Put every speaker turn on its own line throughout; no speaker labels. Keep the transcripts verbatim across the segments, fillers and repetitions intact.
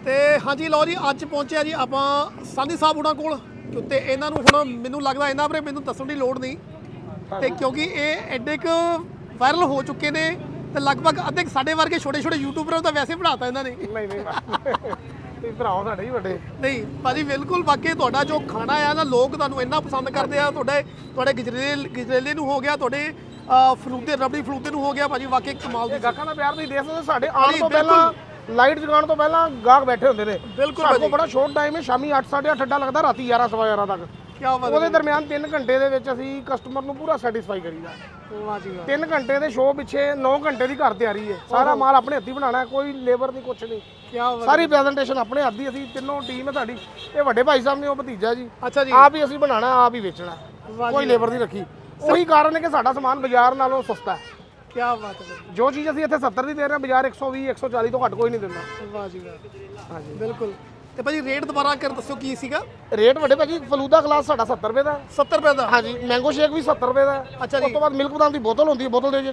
ਤੇ ਹਾਂਜੀ ਲਓ ਜੀ ਅੱਜ ਪਹੁੰਚਿਆ ਜੀ ਆਪਾਂ ਸਾਨੀ ਸਾਹਿਬ ਹੁਣਾਂ ਕੋਲ ਤੇ ਇਹਨਾਂ ਨੂੰ ਹੁਣ ਮੈਨੂੰ ਲੱਗਦਾ ਇਹਨਾਂ ਬਾਰੇ ਮੈਨੂੰ ਦੱਸਣ ਦੀ ਲੋੜ ਨਹੀਂ ਤੇ ਕਿਉਂਕਿ ਇਹ ਐਡੇ ਕੁ ਵਾਇਰਲ ਹੋ ਚੁੱਕੇ ਨੇ ਤੇ ਲਗਭਗ ਅੱਧੇ ਸਾਡੇ ਵਰਗੇ ਛੋਟੇ ਛੋਟੇ ਯੂਟਿਊਬਰਾਂ ਨੂੰ ਤਾਂ ਵੈਸੇ ਬਣਾਤਾ ਇਹਨਾਂ ਨੇ।
ਨਹੀਂ ਨਹੀਂ ਤੁਸੀਂ ਭਰਾਓ ਸਾਡੇ ਹੀ ਵੱਡੇ।
ਨਹੀਂ ਭਾਜੀ ਬਿਲਕੁਲ ਵਾਕਈ ਤੁਹਾਡਾ ਜੋ ਖਾਣਾ ਆ ਨਾ ਲੋਕ ਤੁਹਾਨੂੰ ਇੰਨਾ ਪਸੰਦ ਕਰਦੇ ਆ। ਤੁਹਾਡੇ ਤੁਹਾਡੇ ਗਜਰੇਲੇ ਗਜਰੇਲੇ ਨੂੰ ਹੋ ਗਿਆ, ਤੁਹਾਡੇ ਫਲੂਦੇ ਰਬੜੀ ਫਲੂਦੇ ਨੂੰ ਹੋ ਗਿਆ ਭਾਜੀ, ਵਾਕਈ ਕਮਾਲ ਦੀ
ਗਾਹਕਾਂ ਦਾ ਪਿਆਰ ਤੁਸੀਂ ਦੇਖ ਸਕਦੇ ਸਾਡੇ ਆਉਣ ਤੋਂ ਪਹਿਲਾਂ ਲਾਈਟ ਜਗਾਉਣ ਤੋਂ ਪਹਿਲਾਂ ਗਾਹਕ ਬੈਠੇ ਹੁੰਦੇ ਨੇ।
ਬਿਲਕੁਲ
ਸਾਡੇ ਕੋਲ ਬੜਾ ਸ਼ੋਰਟ ਟਾਈਮ ਹੈ, ਸ਼ਾਮੀ ਅੱਠ ਸਾਢੇ ਅੱਠ ਅੱਡਾ ਲੱਗਦਾ, ਰਾਤੀ ਗਿਆਰਾਂ ਸਵਾ ਗਿਆਰਾਂ ਤੱਕ।
ਕੀ ਬਾਤ ਹੈ।
ਉਹਦੇ ਦਰਮਿਆਨ ਤਿੰਨ ਘੰਟੇ ਦੇ ਵਿੱਚ ਅਸੀਂ ਕਸਟਮਰ ਨੂੰ ਪੂਰਾ ਸੈਟੀਸਫਾਈ ਕਰੀਦਾ।
ਵਾਹ ਜੀ ਵਾਹ।
ਤਿੰਨ ਘੰਟੇ ਦੇ ਸ਼ੋਅ ਪਿੱਛੇ ਨੌ ਘੰਟੇ ਦੀ ਘਰ ਤਿਆਰੀ ਹੈ। ਸਾਰਾ ਮਾਲ ਆਪਣੇ ਹੱਥੀਂ ਬਣਾਉਣਾ, ਕੋਈ ਲੇਬਰ ਨਹੀਂ ਕੁਛ ਨਹੀਂ।
ਕੀ ਬਾਤ।
ਸਾਰੀ ਪ੍ਰੈਜੈਂਟੇਸ਼ਨ ਆਪਣੇ ਹੱਥ ਦੀ। ਅਸੀਂ ਤਿੰਨੋਂ ਟੀਮ ਹੈ ਸਾਡੀ। ਇਹ ਵੱਡੇ ਭਾਈ ਸਾਹਿਬ ਨੇ, ਉਹ ਭਤੀਜਾ ਜੀ।
ਅੱਛਾ ਜੀ।
ਆਪ ਹੀ ਅਸੀਂ ਬਣਾਉਣਾ, ਆਪ ਹੀ ਵੇਚਣਾ, ਕੋਈ ਲੇਬਰ ਨਹੀਂ ਰੱਖੀ। ਉਹੀ ਕਾਰਨ ਹੈ ਕਿ ਸਾਡਾ ਸਮਾਨ ਬਾਜ਼ਾਰ ਨਾਲੋਂ ਸਸਤਾ ਹੈ।
ਕੀ ਬਾਤ ਹੈ।
ਜੋ ਚੀਜ਼ ਅਸੀਂ ਇੱਥੇ ਸੱਤਰ ਦੀ ਦੇ ਰਹੇ ਹਾਂ, ਬਾਜ਼ਾਰ ਇੱਕ ਸੌ ਵੀਹ ਇੱਕ ਸੌ ਚਾਲੀ ਤੋਂ ਘੱਟ ਕੋਈ ਨਹੀਂ ਦਿੰਦਾ।
ਵਾਹ ਜੀ ਵਾਹ। ਹਾਂਜੀ ਬਿਲਕੁਲ। ਤੇ ਭਾਜੀ ਰੇਟ ਦੁਬਾਰਾ ਕਰ ਦੱਸੋ ਕੀ ਸੀਗਾ
ਰੇਟ? ਵੱਡੇ ਭਾਜੀ ਫਲੂਦਾ ਗਲਾਸ ਸਾਡਾ ਸੱਤਰ ਰੁਪਏ ਦਾ।
ਸੱਤਰ ਰੁਪਏ ਦਾ।
ਹਾਂਜੀ ਮੈਂਗੋ ਸ਼ੇਕ ਵੀ ਸੱਤਰ ਰੁਪਏ ਦਾ।
ਅੱਛਾ ਜੀ।
ਉਸ ਤੋਂ ਬਾਅਦ ਮਿਲਕ ਬਦਾਮ ਦੀ ਬੋਤਲ ਹੁੰਦੀ ਹੈ, ਬੋਤਲ ਦੇ ਜੀ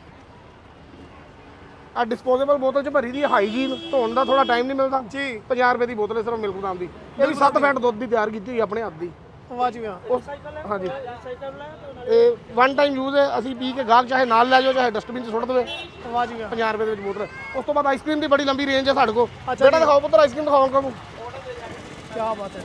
ਆ ਡਿਸਪੋਜ਼ੇਬਲ ਬੋਤਲ 'ਚ ਭਰੀ ਦੀ ਹੈ। ਹਾਈਜੀਨ, ਧੋਣ ਦਾ ਥੋੜਾ ਟਾਈਮ ਨਹੀਂ ਮਿਲਦਾ
ਜੀ।
ਪੰਜਾਹ ਰੁਪਏ ਦੀ ਬੋਤਲ ਹੈ ਸਿਰਫ ਮਿਲਕ ਬਦਾਮ ਦੀ। ਇਹ ਵੀ ਸੱਤ ਫੈਟ ਦੁੱਧ ਦੀ ਤਿਆਰ ਕੀਤੀ ਹੋਈ ਆਪਣੇ ਹੱਥ ਦੀ।
ਵਾਹ ਜੀ ਵਾਹ।
ਹਾਂਜੀ ਇਹ ਵਨ ਟਾਈਮ ਯੂਜ਼ ਹੈ। ਅਸੀਂ ਪੀ ਕੇ ਗਾਹਕ ਚਾਹੇ ਨਾਲ ਲੈ ਜਾਓ, ਚਾਹੇ ਡਸਟਬਿਨ 'ਚ ਸੁੱਟ ਦੇਵੇ।
ਵਾਹ ਜੀ ਵਾਹ।
ਪੰਜਾਹ ਰੁਪਏ ਦੇ ਵਿੱਚ ਬੋਤਲ। ਉਸ ਤੋਂ ਬਾਅਦ ਆਈਸਕ੍ਰੀਮ ਦੀ ਬੜੀ ਲੰਬੀ ਰੇਂਜ ਹੈ ਸਾਡੇ ਕੋਲ।
ਅੱਛਾ
ਬੇਟਾ ਦਿਖਾਓ ਪੁੱਤਰ, ਆਈਸਕ੍ਰੀਮ ਦਿਖਾਓ ਅੰਕਲ ਨੂੰ।
ਕੀ ਬਾਤ ਹੈ।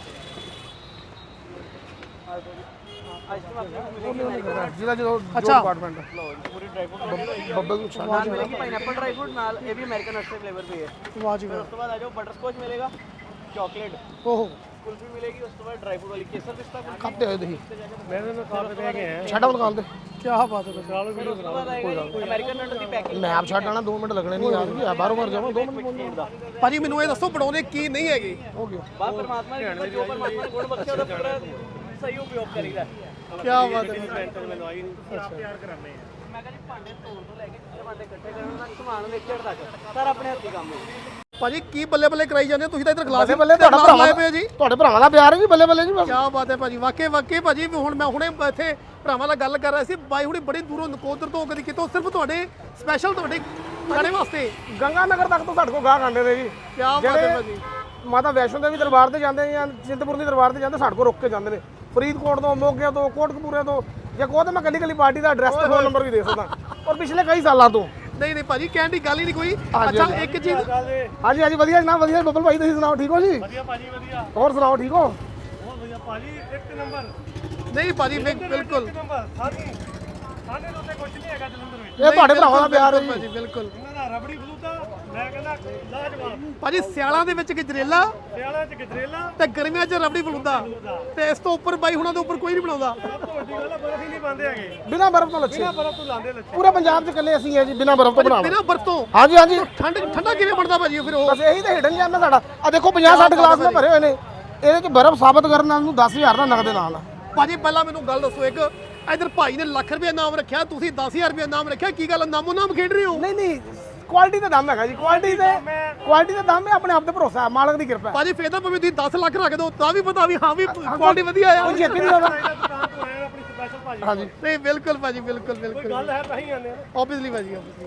ਜਿਹਦਾ ਜਦੋਂ
ਅੱਛਾ
ਡਿਪਾਰਟਮੈਂਟ
ਪੂਰੀ ਡਰਾਈ ਫਰੂਟ
ਬੱਬਲ ਨੂੰ ਛਾਣ
ਨਾਲ ਮਿਲੇਗੀ ਪਾਈਨਐਪਲ ਡਰਾਈ ਫਰੂਟ ਨਾਲ ਇਹ ਵੀ ਅਮਰੀਕਨ ਨਟਸ ਫਲੇਵਰ ਵੀ ਹੈ।
ਵਾਹ ਜੀ
ਫਿਰ
ਵਾਹ।
ਉਸ ਤੋਂ ਬਾਅਦ ਆ ਜਾਓ ਬਟਰ ਸਕॉच ਮਿਲੇਗਾ, ਚਾਕਲੇਟ
ਓਹੋ
ਕੁਲਫੀ ਮਿਲੇਗੀ, ਉਸ ਤੋਂ ਬਾਅਦ ਡਰਾਈ ਫਰੂਟ ਵਾਲੀ ਕੇਸਰ ਪਿਸਤਾ ਕੁਲਫੀ।
ਖਾਤੇ ਹੋਏ ਤੁਸੀਂ
ਮੇਰੇ ਨਾਲ ਕਾਫੀ ਦੇ ਗਏ ਹੈ।
ਛੱਡ ਆਉਣ ਦੁਕਾਨ ਤੇ।
ਕੀ ਬਾਤ ਹੈ।
ਫਿਰ ਉਸ ਤੋਂ ਬਾਅਦ ਆਏਗਾ ਅਮਰੀਕਨ ਨਟ ਦੀ ਪੈਕਿੰਗ
ਮੈਂ ਆਪ ਛੱਡ ਆਣਾ, ਦੋ ਮਿੰਟ ਲੱਗਣੇ ਨਹੀਂ ਯਾਰ। ਕੀ ਬਾਹਰੋਂ ਬਾਹਰ ਜਾਵਾਂ ਦੋ ਮਿੰਟ ਪਹੁੰਚ
ਦਾ।
ਭਾਜੀ ਮੈਨੂੰ ਇਹ ਦੱਸੋ ਬਣਾਉਣੇ ਕੀ ਨਹੀਂ ਹੈਗੇ।
ਹੋ ਗਿਆ।
ਬਾਤ ਪਰਮਾਤਮਾ ਦੀ ਕਿਰਪਾ, ਜੋ ਪਰਮਾਤਮਾ ਨੇ ਗੁਣ ਬਖਸ਼ਿਆ ਉਹਦਾ ਪੂਰਾ ਸਹੀ ਉਪਯੋਗ ਕਰੀਦਾ।
ਕੀ ਬਾਤ ਹੈ।
ਮੈਨੂੰ ਆਈ ਨਹੀਂ ਆਪ ਤਿਆਰ ਕਰਾਣੇ ਆ। ਮੈਂ ਕਹਿੰਦਾ ਭਾਂਡੇ ਧੋਣ ਤੋਂ ਲੈ ਕੇ ਜਿਹੜੇ ਭਾਂਡੇ ਇਕੱਠੇ ਕਰਨ ਤੱਕ, ਸਮਾਨ ਵੇਚਣ ਤੱਕ ਸਾਰਾ ਆਪਣੇ ਹੱਥੀਂ ਕੰਮ ਹੈ।
ਭਾਜੀ ਕੀ ਬੱਲੇ ਬੱਲੇ ਕਰਾਈ ਜਾਂਦੇ ਹੋ ਤੁਸੀਂ ਤਾਂ ਇੱਧਰ ਗਲਾਸ
ਬੱਲੇ ਬੱਲੇ ਤੁਹਾਡਾ ਭਰਾਵਾਂ
ਲਾਏ ਪਏ ਜੀ।
ਤੁਹਾਡੇ ਭਰਾਵਾਂ ਦਾ ਪਿਆਰ ਹੈ ਜੀ, ਬੱਲੇ ਬੱਲੇ ਜੀ ਬਸ।
ਕੀ ਬਾਤ ਹੈ ਭਾਜੀ, ਵਾਕਈ ਵਾਕਈ ਭਾਜੀ। ਹੁਣ ਮੈਂ ਹੁਣੇ ਇੱਥੇ ਭਰਾਵਾਂ ਨਾਲ ਗੱਲ ਕਰ ਰਿਹਾ ਸੀ, ਬਾਈ ਹੁਣੇ ਬੜੀ ਦੂਰੋਂ ਨਕੋਦਰ ਤੋਂ ਕਦੀ ਕਿਤੋਂ ਸਿਰਫ ਤੁਹਾਡੇ ਸਪੈਸ਼ਲ ਤੁਹਾਡੇ ਖਾਣੇ ਵਾਸਤੇ
ਗੰਗਾ ਨਗਰ ਤੱਕ ਤੋਂ ਸਾਡੇ ਕੋਲ ਗਾਹਕ ਆਉਂਦੇ ਨੇ ਜੀ।
ਕੀ ਬਾਤ ਹੈ ਭਾਜੀ।
ਮਾਤਾ ਵੈਸ਼ਨੋ ਦੇਵੀ ਦਰਬਾਰ ਤੇ ਜਾਂਦੇ ਜਾਂ ਚਿੰਤਪੁਰਨੀ ਦਰਬਾਰ ਤੇ ਜਾਂਦੇ, ਸਾਡੇ ਕੋਲ ਰੁੱਕ ਕੇ ਜਾਂਦੇ ਨੇ। ਫਰੀਦਕੋਟ ਤੋਂ, ਮੋਗੇ ਤੋਂ, ਕੋਟਕਪੂਰੇ ਤੋਂ, ਜੇ ਕਹੋ ਤਾਂ ਮੈਂ ਕੱਲੀ ਕੱਲੀ ਪਾਰਟੀ ਦਾ ਐਡਰੈਸ ਤੇ ਫੋਨ ਨੰਬਰ ਵੀ ਦੇ ਸਕਦਾ। ਔਰ ਪਿਛਲੇ ਕਈ ਸਾਲਾਂ ਤੋਂ।
ਨਹੀਂ ਨਹੀਂ ਭਾਜੀ ਕਹਿਣ ਦੀ ਗੱਲ ਹੀ ਨਹੀਂ ਕੋਈ।
ਹਾਂਜੀ,
ਅੱਛਾ ਇੱਕ ਚੀਜ਼
ਹਾਂਜੀ ਹਾਂਜੀ ਵਧੀਆ ਜਨਾਬ, ਵਧੀਆ। ਬੱਬਲ ਭਾਈ ਤੁਸੀਂ ਸੁਣਾਓ, ਠੀਕ ਹੋ ਜੀ?
ਵਧੀਆ ਭਾਜੀ ਵਧੀਆ।
ਹੋਰ ਸੁਣਾਓ, ਠੀਕ ਹੋ?
ਬਹੁਤ ਵਧੀਆ ਭਾਜੀ, ਇੱਕ ਨੰਬਰ
ਨਹੀਂ ਭਾਜੀ ਬਿਲਕੁਲ।
ਨੰਬਰ ਸਾਡੀ ਸਾਡੇ ਤੋਂ ਤੇ ਕੁਝ ਨਹੀਂ ਹੈਗਾ ਜਲੰਧਰ ਵਿੱਚ।
ਇਹ ਤੁਹਾਡੇ ਭਰਾਵਾਂ ਦਾ ਪਿਆਰ ਹੈ ਜੀ
ਭਾਜੀ ਬਿਲਕੁਲ।
ਇਹਨਾਂ ਦਾ ਰਬੜੀ ਫਲੂਦਾ ਮੈਂ ਕਹਿੰਦਾ ਲਾਜਵਾਬ।
ਭਾਜੀ ਸਿਆਲਾਂ ਦੇ ਵਿੱਚ ਗਜਰੇਲਾ
ਸਿਆਲਾਂ ਚ ਗਜਰੇਲਾ
ਤੇ ਗਰਮੀਆਂ 'ਚ ਰਬੜੀ ਫਲੂਦਾ ਤੇ ਇਸ ਤੋਂ ਉੱਪਰ ਬਾਈ ਹੁਣਾਂ ਦੇ ਉੱਪਰ ਕੋਈ ਨਹੀਂ ਬਣਾਉਂਦਾ।
ਸਭ ਤੋਂ ਵੱਡੀ ਗੱਲ ਆ, ਬਰਫ ਹੀ ਨਹੀਂ ਪਾਉਂਦੇ ਹੈਗੇ।
ਬਿਨਾਂ ਬਰਫ਼ ਤੋਂ ਲੱਛੇ।
ਬਿਨਾਂ ਬਰਫ ਤੋਂ ਲਾਉਂਦੇ ਲੱਛੇ।
ਪੂਰੇ ਪੰਜਾਬ 'ਚ ਇਕੱਲੇ ਅਸੀਂ ਹੈ ਜੀ ਬਿਨਾਂ ਬਰਫ਼ ਤੋਂ ਬਣਾਉਣਾ।
ਬਿਨਾਂ ਬਰਫ਼ ਤੋਂ।
ਹਾਂਜੀ ਹਾਂਜੀ
ਠੰਡ ਠੰਡਾ ਕਿਵੇਂ ਬਣਦਾ ਭਾਜੀ ਫਿਰ ਉਹ?
ਬਸ ਇਹੀ ਤਾਂ ਹਿਡਨ ਜੈਮ ਹੈ ਸਾਡਾ। ਆ ਦੇਖੋ ਪੰਜਾਹ ਸੱਠ ਗਲਾਸ ਮੈਂ ਭਰੇ ਹੋਏ ਨੇ। ਇਹਦੇ 'ਚ ਬਰਫ਼ ਸਾਬਤ ਕਰਨ ਨਾਲ ਨੂੰ ਦਸ ਹਜ਼ਾਰ ਦਾ ਨਗਦ ਨਾਲ।
ਭਾਜੀ ਪਹਿਲਾਂ ਮੈਨੂੰ ਗੱਲ ਦੱਸੋ, ਇੱਕ ਇਧਰ ਭਾਈ ਨੇ ਲੱਖ ਰੁਪਏ ਨਾਮ ਰੱਖਿਆ, ਤੁਸੀਂ ਦਸ ਹਜ਼ਾਰ ਰੁਪਏ ਨਾਮ ਰੱਖਿਆ, ਕੀ ਗੱਲ ਨਾਮੋ ਨਾਮ ਖੇਡ ਰਹੇ ਹੋ?
ਨਹੀਂ ਨਹੀਂ ਕੁਆਲਿਟੀ ਦਾ ਦਮ ਹੈਗਾ ਜੀ। ਕੁਆਲਿਟੀ ਤੇ ਕੁਆਲਿਟੀ ਦਾ ਦਮ ਹੈ, ਆਪਣੇ ਆਪ ਤੇ ਭਰੋਸਾ ਹੈ, ਮਾਲਕ ਦੀ ਕਿਰਪਾ ਹੈ।
ਭਾਜੀ ਫੇਰ ਤਾਂ ਭਾਵੇਂ ਤੁਸੀਂ ਦਸ ਲੱਖ ਰੱਖ ਦਿਓ ਤਾਂ ਵੀ ਪਤਾ ਵੀ ਹਾਂ ਵੀ ਕੁਆਲਿਟੀ ਵਧੀਆ ਆ।
ਕੋਈ ਛੇਤੀ ਨਹੀਂ ਆਉਂਦਾ।
ਦੁਕਾਨ ਤੋਂ ਆਏ ਆਪਣੀ ਸਪੈਸ਼ਲ ਭਾਜੀ।
ਹਾਂਜੀ
ਨਹੀਂ ਬਿਲਕੁਲ ਭਾਜੀ ਬਿਲਕੁਲ ਬਿਲਕੁਲ।
ਗੱਲ ਹੈ ਤਾਂ ਹੀ ਆਉਂਦੇ ਆ।
ਆਬਵੀਅਸਲੀ ਭਾਜੀ ਆਬਵੀਅਸਲੀ।